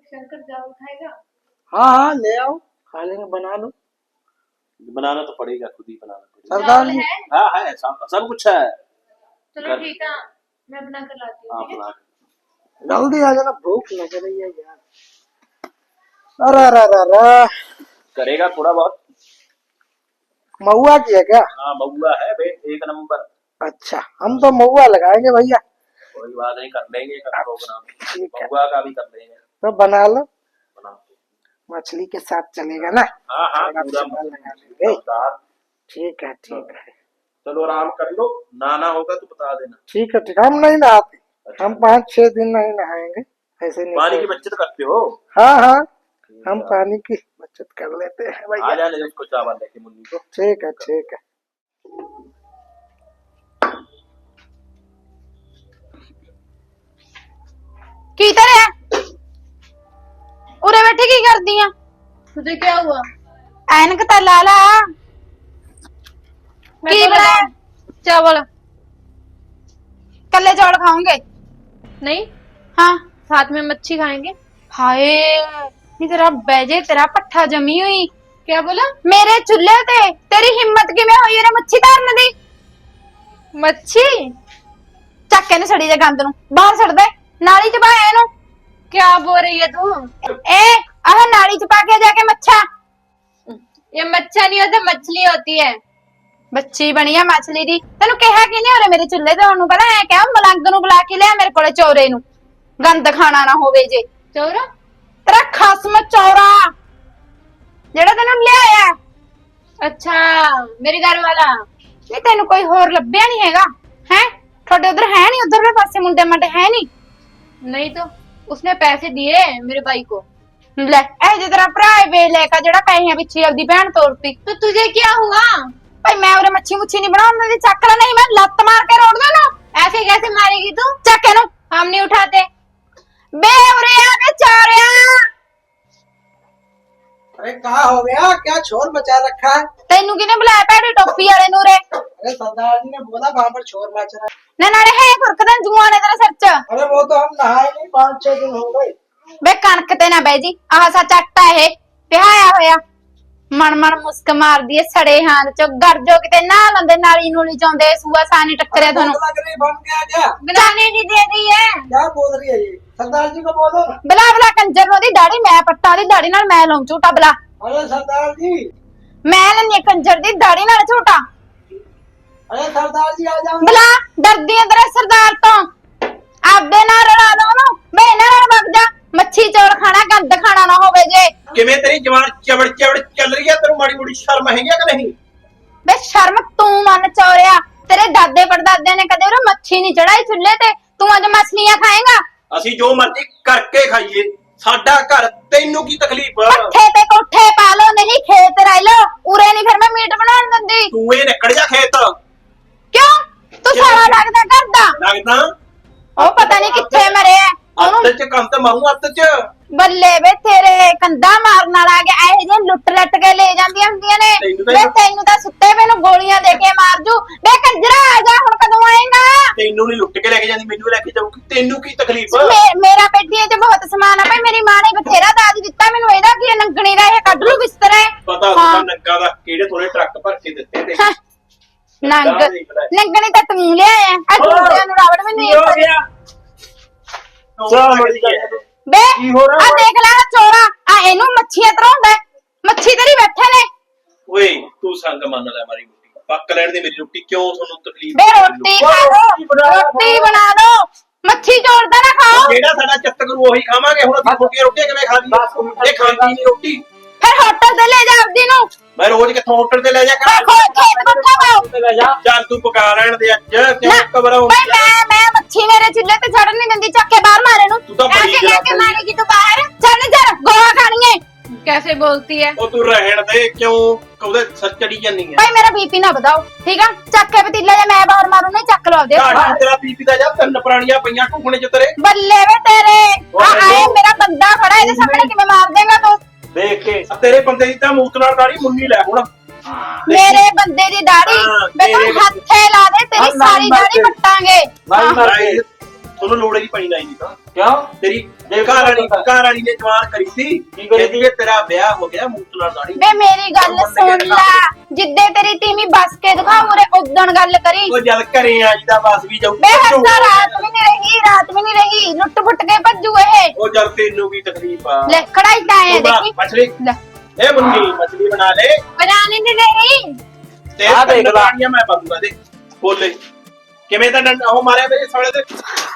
शंकर चावल खाएगा? हाँ हाँ ले आओ, खा लेंगे, बना लो। बनाना तो पड़ेगा, खुद ही बनाना पड़ेगा। सरदार जी है? हाँ है, सब सब कुछ है। चलो ठीक है, मैं बना कर लाती हाँ हूँ। ठीक है? बना। जल्दी आ जाना, भूख लग रही है यार। अरे अरे अरे अरे, करेगा थोड़ा बहुत। महुआ की है क्या? हाँ महुआ है बे, एक नंबर। अच्छा, हम तो महुआ लगाएंगे भैया। कोई बात नहीं, कर लेंगे का प्रोग्राम। ठीक है, महुआ का भी कर लेंगे। तो बना लो, बना। मछली के साथ चलेगा ना? हाँ हाँ थोड़ा पूरा मसाला लगा लेंगे। मजेदार। ठीक है ठीक है चलो आराम कर लो, नहाना होगा तो बता देना। ठीक है ठीक है, हम नहीं नहाते, हम पाँच छह दिन नहीं नहाएंगे, ऐसे नहीं। पानी की बचत करते हो? हाँ हाँ, हम पानी की बचत कर लेते हैं आ भैया। जाने दो उसको चावल लेके मुन्नी को। ठीक है ठीक है। की तरह उरे बैठे की कर दिया? तुझे क्या हुआ? ऐनक तो ला ला। की बनाया? चावल। कल्ले चावल खाओगे? नहीं, हाँ साथ में मच्छी खाएंगे। हाय, ये तेरा बैजे तेरा पट्ठा जमी हुई। क्या बोला? मेरे चूल्हे ते तेरी हिम्मत किवें हुई रे मच्छी तारन दी? मच्छी? ਚੱਕ ਇਹਨੂੰ ਸੜੀ ਦੇ ਗੰਦ ਨੂੰ ਬਾਹਰ ਛੱਡ ਦੇ, ਨਾਲੀ ਚ ਪਾ ਇਹਨੂੰ। क्या बोल रही है तू? ए आह नाली च पा के जाके मच्छा। ये मच्छा नहीं होता, मछली होती है। ਬੱਚੀ ਬਣੀ ਆ ਮਛਲੀ ਦੀ। ਤੈਨੂੰ ਕਿਹਾ ਕਿ ਨਹੀਂ ਹੋਰੇ ਮੇਰੇ ਚੁੱਲ੍ਹੇ ਤੇ ਉਹਨੂੰ ਪਤਾ ਐ ਕਿਹਾ ਮਲੰਗ ਨੂੰ ਬੁਲਾ ਕੇ ਲਿਆ ਮੇਰੇ ਕੋਲੇ ਚੌਰੇ ਨੂੰ, ਗੰਦ ਖਾਣਾ ਨਾ ਹੋਵੇ ਜੇ। चौरा? ਤੇਰਾ ਖਸਮ ਚੌਰਾ ਜਿਹੜਾ ਤੈਨੂੰ ਲਿਆਇਆ। अच्छा, मेरे घर वाला। ਨਹੀਂ ਤੈਨੂੰ ਕੋਈ ਹੋਰ ਲੱਭਿਆ ਨਹੀਂ ਹੈਗਾ ਹੈ? ਤੁਹਾਡੇ ਉਧਰ ਹੈ ਨਹੀਂ, ਉਧਰਲੇ ਪਾਸੇ ਮੁੰਡੇ ਮੰਡੇ ਹੈ ਨਹੀਂ? नहीं तो उसने पैसे दिए मेरे भाई को। ਲੈ ਇਹ ਜੇ ਤੇਰਾ ਭਰਾ ਏ ਬੇਲੇਕਾ ਜਿਹੜਾ ਪੈਸਿਆਂ ਪਿੱਛੇ ਆਪਦੀ ਭੈਣ ਤੋਰਤੀ। तो तुझे क्या हुआ? ਭਾਈ ਮੈਂ ਉਰੇ ਮੱਛੀ ਮੁੱਛੀ ਨਹੀਂ ਬਣਾਉਣ ਦਿੰਦੀ, ਚੱਕ ਲੈ ਨਹੀਂ ਮੈਂ ਲੱਤ ਮਾਰ ਕੇ ਰੋੜ ਦੇਣਾ। ऐसे कैसे मारेगी तू? ਚੱਕ ਇਹਨੂੰ। हम नहीं उठाते। बे उरे आ बे चौरिया। अरे कहा हो गया, क्या शोर मचा रखा है? ਤੈਨੂੰ ਕਿਹਨੇ ਬੁਲਾਇਆ ਭੈੜੀ ਟੋਪੀ ਵਾਲੇ ਨੂੰ ਰੇ? अरे सरदार जी ने बोला वहाँ पर शोर मच रहा है। ਨਾ ਨਾਲੇ ਹੈ ਖੁਰਕਦਾ ਜੂਆਂ ਨੇ ਤੇਰੇ ਸਿਰ 'ਚ। अरे वो तो हम नहाए नहीं, पाँच छह दिन हो गए। ਬੇ ਕਣਕ ਤੇ ਨਾ ਬਹਿ ਜੀ, ਆਹ ਸੱਚ ਆਟਾ ਇਹ ਪਿਹਾਇਆ ਹੋਇਆ। ਮਣ ਮਣ ਮੁਸਕ ਮਾਰਦੀ ਏ ਸੜੇ ਹਾਂ ਚ ਗਰ ਜੋ ਕਿਤੇ ਨਾ ਲੰਦੇ ਨਾਲੀ ਨੂਲੀ ਚਾਉਂਦੇ ਸੂਆ ਸਾਨੀ ਟੱਕਰਿਆ ਤੁਹਾਨੂੰ। भूख लग रही, बन गया क्या? ਬਣਾਣੇ ਦੀ ਦੇ ਦੀ ਹੈ। क्या बोल रही है ये? सरदार जी को बोलो ना। ਬਲਾ ਬਲਾ ਕੰਜਰ ਨੂੰ ਦੀ ਦਾੜੀ ਮੈਂ ਪੱਟਾਂ ਦੀ ਦਾੜੀ ਨਾਲ ਮੈਂ ਲਾਉਂ ਝੂਟਾ ਬਲਾ। अरे सरदार जी, ਮੈਂ ਲੈਣੀ ਕੰਜਰ ਦੀ ਦਾੜੀ ਨਾਲ ਝੂਟਾ अरे सरदार जी आ जाओ। ਬਲਾ। ਡਰਦੀ ਆਂ ਤੇਰੇ ਸਰਦਾਰ ਤੋਂ, ਆਪਦੇ ਨਾਲ ਰਲਾ ਦੋ ਉਹਨੂੰ। ਬੇ ਇਹਨਾਂ ਨਾਲ ਵਗ ਜਾ, ਮੱਛੀ ਚੌਲ ਖਾਣਾ ਗੰਦ ਖਾਣਾ ਨਾ ਹੋਵੇ ਜੇ। ਕਿਵੇਂ ਤੇਰੀ ਜਵਾਨ ਚਵੜ ਚਵੜ ਚੱਲ ਰਹੀ ਹੈ? ਤੈਨੂੰ ਮਾੜੀ ਮੋੜੀ ਸ਼ਰਮ ਹੈਗੀ ਕਿ ਨਹੀਂ? ਬੇ ਸ਼ਰਮ ਤੂੰ ਮੰਨ ਚੌਰਿਆ, ਤੇਰੇ ਦਾਦੇ ਪੜਦਾਦਿਆਂ ਨੇ ਕਦੇ ਉਹ ਮੱਛੀ ਨਹੀਂ ਚੜਾਈ ਚੁੱਲ੍ਹੇ ਤੇ, ਤੂੰ ਅੱਜ ਮਛਲੀਆਂ ਖਾਏਗਾ? ਅਸੀਂ ਜੋ ਮਰਜ਼ੀ ਕਰਕੇ ਖਾਈਏ, ਸਾਡਾ ਘਰ, ਤੈਨੂੰ ਕੀ ਤਕਲੀਫ? ਪੱਠੇ ਤੇ ਕੋਠੇ ਪਾ ਲੋ, ਨਹੀਂ ਖੇਤ ਰਹਿ ਲੋ, ਉਰੇ ਨਹੀਂ ਫਿਰ ਮੈਂ ਮੀਟ ਬਣਾਉਣ ਦਿੰਦੀ। ਤੂੰ ਇਹ ਨਿਕਲ ਜਾ ਖੇਤ। ਕਿਉਂ? ਤੂੰ ਸਾਲਾ ਲੱਗਦਾ ਕਰਦਾ। ਲੱਗਦਾ ਉਹ ਪਤਾ ਨਹੀਂ ਕਿੱਥੇ ਮਰਿਆ ਉਹਨੂੰ। ਅੱਤ ਚ ਕੰਮ ਤੇ ਮਾਰੂ, ਅੱਤ ਚ। ਬੱਲੇ ਵੇ ਤੇਰੇ ਕੰਧਾ ਮਾਰਨ ਵਾਲਾ ਆ ਗਿਆ। ਇਹੋ ਜਿਹੇ ਲੁੱਟ ਲੱਟ ਕੇ ਲੈ ਜਾਂਦੀਆਂ ਹੁੰਦੀਆਂ ਨੇ। ਤੈਨੂੰ ਤਾਂ- ਵੇ ਤੈਨੂੰ ਤਾਂ ਸੁੱਤੇ ਪਏ ਨੂੰ ਗੋਲੀਆਂ ਦੇ ਕੇ ਮਾਰ ਜੂ। ਵੇ ਕੰਜਰਾ ਆ ਜਾ, ਹੁਣ ਕਦੋਂ ਆਏਗਾ? ਤੈਨੂੰ ਨਹੀਂ ਲੁੱਟ ਕੇ ਲੈ ਕੇ ਜਾਂਦੀ, ਮੈਨੂੰ ਲੈ ਕੇ ਜਾਊਗੀ। ਤੈਨੂੰ ਕੀ ਤਕਲੀਫ? ਮੇ- ਮੇਰਾ ਪੇਟੀਆਂ 'ਚ ਬਹੁਤ ਸਮਾਨ ਆ ਭਾਈ, ਮੇਰੀ ਮਾਂ ਨੇ ਬਥੇਰਾ ਦਾਜ ਦਿੱਤਾ ਮੈਨੂੰ। ਇਹਦਾ ਕੀ ਹੈ, ਨੰਗਣੀ ਦਾ ਇਹ ਕੱਢ ਲੂ ਬਿਸਤਰਾ। ਪਤਾ ਹੁੰਦਾ ਨੰਗਾ ਦਾ ਕਿਹੜੇ ਥੋੜੇ ਟਰੱਕ ਭਰ ਕੇ ਦਿੱਤੇ ਤੇ। ਹਾਂ, ਨੰਗ ਨੰਗਣੀ ਤਾਂ ਤੂੰ ਲਿਆਇਆ ਆ। ਦੂਜਿਆਂ ਨੂੰ ਰਾਵੜ ਵੀ ਨਹੀਂ ਹੋ ਗਿਆ ਚਾਹ ਮੜੀ ਕਰ। ਬੇ ਕੀ ਹੋ ਰਿਹਾ? ਆ ਦੇਖ ਲੈ ਆਹ ਚੋਰਾ, ਆ ਇਹਨੂੰ ਮੱਛੀਆਂ ਤਰਾਉਂਦਾ। ਮੱਛੀ ਤੇਰੀ ਬੈਠੇ ਨੇ। ਓਏ ਤੂੰ ਸੰਗ ਮੰਨ ਲੈ ਮਾਰੀ ਰੋਟੀ, ਪੱਕ ਲੈਣ ਦੇ ਮੇਰੀ ਰੋਟੀ, ਕਿਉਂ ਤੁਹਾਨੂੰ ਤਕਲੀਫ? ਬੇ ਰੋਟੀ ਖਾ ਲੋ, ਰੋਟੀ ਬਣਾ ਲੋ, ਮੱਛੀ ਚੋਰਦਾ ਨਾ ਖਾਓ। ਜਿਹੜਾ ਸਾਡਾ ਚਿੱਤ ਕਰੂ ਉਹੀ ਖਾਵਾਂਗੇ। ਹੁਣ ਅਸੀਂ ਛੋਟੀਆਂ ਰੋਟੀਆਂ ਕਿਵੇਂ ਖਾ ਲਈਏ? ਇਹ ਖਾਂਦੀ ਨਹੀਂ ਰੋਟੀ। ਫਿਰ ਹੋਟਲ ਤੇ ਲੈ ਜਾ ਆਪਦੀ ਨੂੰ। ਮੈਂ ਰੋਜ਼ ਕਿੱਥੋਂ ਹੋਟਲ ਤੇ ਲੈ ਜਾ ਮੈਂ ਖੋ ਖੇਤ ਬੱਠਾ ਪਾਓ। ਚੱਲ ਤੂੰ ਪਕਾ ਰਹਿਣ ਦੇ ਅੱਜ, ਕਿਉਂ ਨਾ, ਘਬਰਾਉਂ? ਬਈ ਮੈਂ ਮੈਂ ਮੱਛੀ ਮੇਰੇ ਚੁੱਲ੍ਹੇ ਤੇ ਚੜਨ ਨਹੀਂ ਦਿੰਦੀ, ਚੱਕ ਕੇ ਬਾਹਰ ਮਾਰੇ ਨੂੰ। ਤੂੰ ਤਾਂ ਬੜੀ ਐਸੇ ਕਹਿ ਕੇ ਜਰਾ ਮਾਰੇਗੀ ਤੂੰ ਬਾਹਰ। ਚੱਲ ਜਰ ਗੋਆ ਖਾਣੀਏ। कैसे बोलती है? ਉਹ ਤੂੰ ਰਹਿਣ ਦੇ, ਕਿਉਂ ਕਹਦੇ ਸੱਚੜੀ ਜਾਂਦੀ ਹੈ? ਭਾਈ ਮੇਰਾ ਬੀਪੀ ਨਾ ਵਧਾਓ, ਠੀਕ ਆ? ਚੱਕ ਕੇ ਪਤੀਲਾ ਜੇ ਮੈਂ ਬਾਹਰ ਮਾਰੂ ਨਹੀਂ, ਚੱਕ ਲਓ ਦੇ। ਢਾਡੀ ਤੇਰਾ ਪੀਪੀ ਦਾ ਜਾਂ ਤਿੰਨ ਪ੍ਰਾਣੀਆਂ ਪਈਆਂ ਢੂਕਣੇ ਚ ਤੇਰੇ। ਬੱਲੇ ਵੇ ਤੇਰੇ, ਆ ਆਏ ਮੇਰਾ ਬੰਦਾ ਖੜਾ, ਇਹਦੇ ਸਾਹਮਣੇ ਕਿਵੇਂ ਮਾਰ ਦੇਗਾ ਤੂੰ? ਦੇਖ ਕੇ ਆ ਤੇਰੇ ਬੰਦੇ ਦੀ ਤਾਂ ਮੂਤ ਨਾਲ ਦਾੜੀ ਮੁੰਨੀ ਲੈ ਹੁਣ। ਮੇਰੇ ਬੰਦੇ ਦੀ ਦਾੜੀ ਹਾਂ, ਬੇ ਤੂੰ ਤੇਰੇ ਹੱਥੇ ਲਾ ਦੇ, ਤੇਰੀ ਹਾਂ, ਸਾਰੀ ਨਹੀਂ ਦਾੜੀ ਮਰਦੇ। ਪੱਟਾਂਗੇ। ਨਹੀਂ ਹਾਂ। ਮਰਦੇ। ਤੁਹਾਨੂੰ ਲੋੜ ਹੀ ਪੈਣੀ ਨਹੀਂ ਤਾਂ ਕਿਉਂ ਤੇਰੀ ਘਰ ਵਾਲੀ ਘਰ ਵਾਲੀ ਨੇ ਜਵਾਨ ਕਰੀ ਸੀ ਕੀ ਕਰੀ ਕਹਿੰਦੀ ਜੇ ਤੇਰਾ ਵਿਆਹ ਹੋ ਗਿਆ ਮੂੰਹ ਨਾਲ ਦਾੜੀ ਬੇ ਮੇਰੀ ਗੱਲ ਸੁਣ ਲੈ, ਜਿੱਦੇ ਤੇਰੀ ਤੀਵੀਂ ਬਸ ਕੇ ਦਿਖਾ ਉਰੇ ਉਦਣ ਗੱਲ ਕਰੀ। ਉਹ ਜਲ ਘਰੇ ਆ ਜਿਹਦਾ ਬਸ ਵੀ ਜਾਊ ਬੇ ਹੱਸਾ ਰਾਤ ਵੀ ਨਹੀਂ ਰਹੀ, ਰਾਤ ਵੀ ਨਹੀਂ ਰਹੀ, ਲੁੱਟ ਪੁੱਟ ਕੇ ਭੱਜੂ ਇਹ। ਉਹ ਜਲ ਤੈਨੂੰ ਵੀ ਤਕਲੀਫ ਆ ਲੈ ਖੜਾਈ ਤਾਂ ਆਇਆ ਦੇਖੀ ਮਛਲੀ ਲੈ ਇਹ ਮੁੰਨੀ ਮਛਲੀ ਬਣਾ ਲੈ ਬਣਾਣੇ ਨਹੀਂ ਰਹੀ। ਤੇ ਆਹ ਦੇਖ ਲਾ। ਮੈਂ ਬਾਦੂਗਾ ਦੇ ਬੋਲੇ ਕਿਵੇਂ ਤਾਂ ਡੰਡਾ ਉਹ ਮਾਰਿਆ ਮੇਰੇ ਸਾਲੇ ਤੇ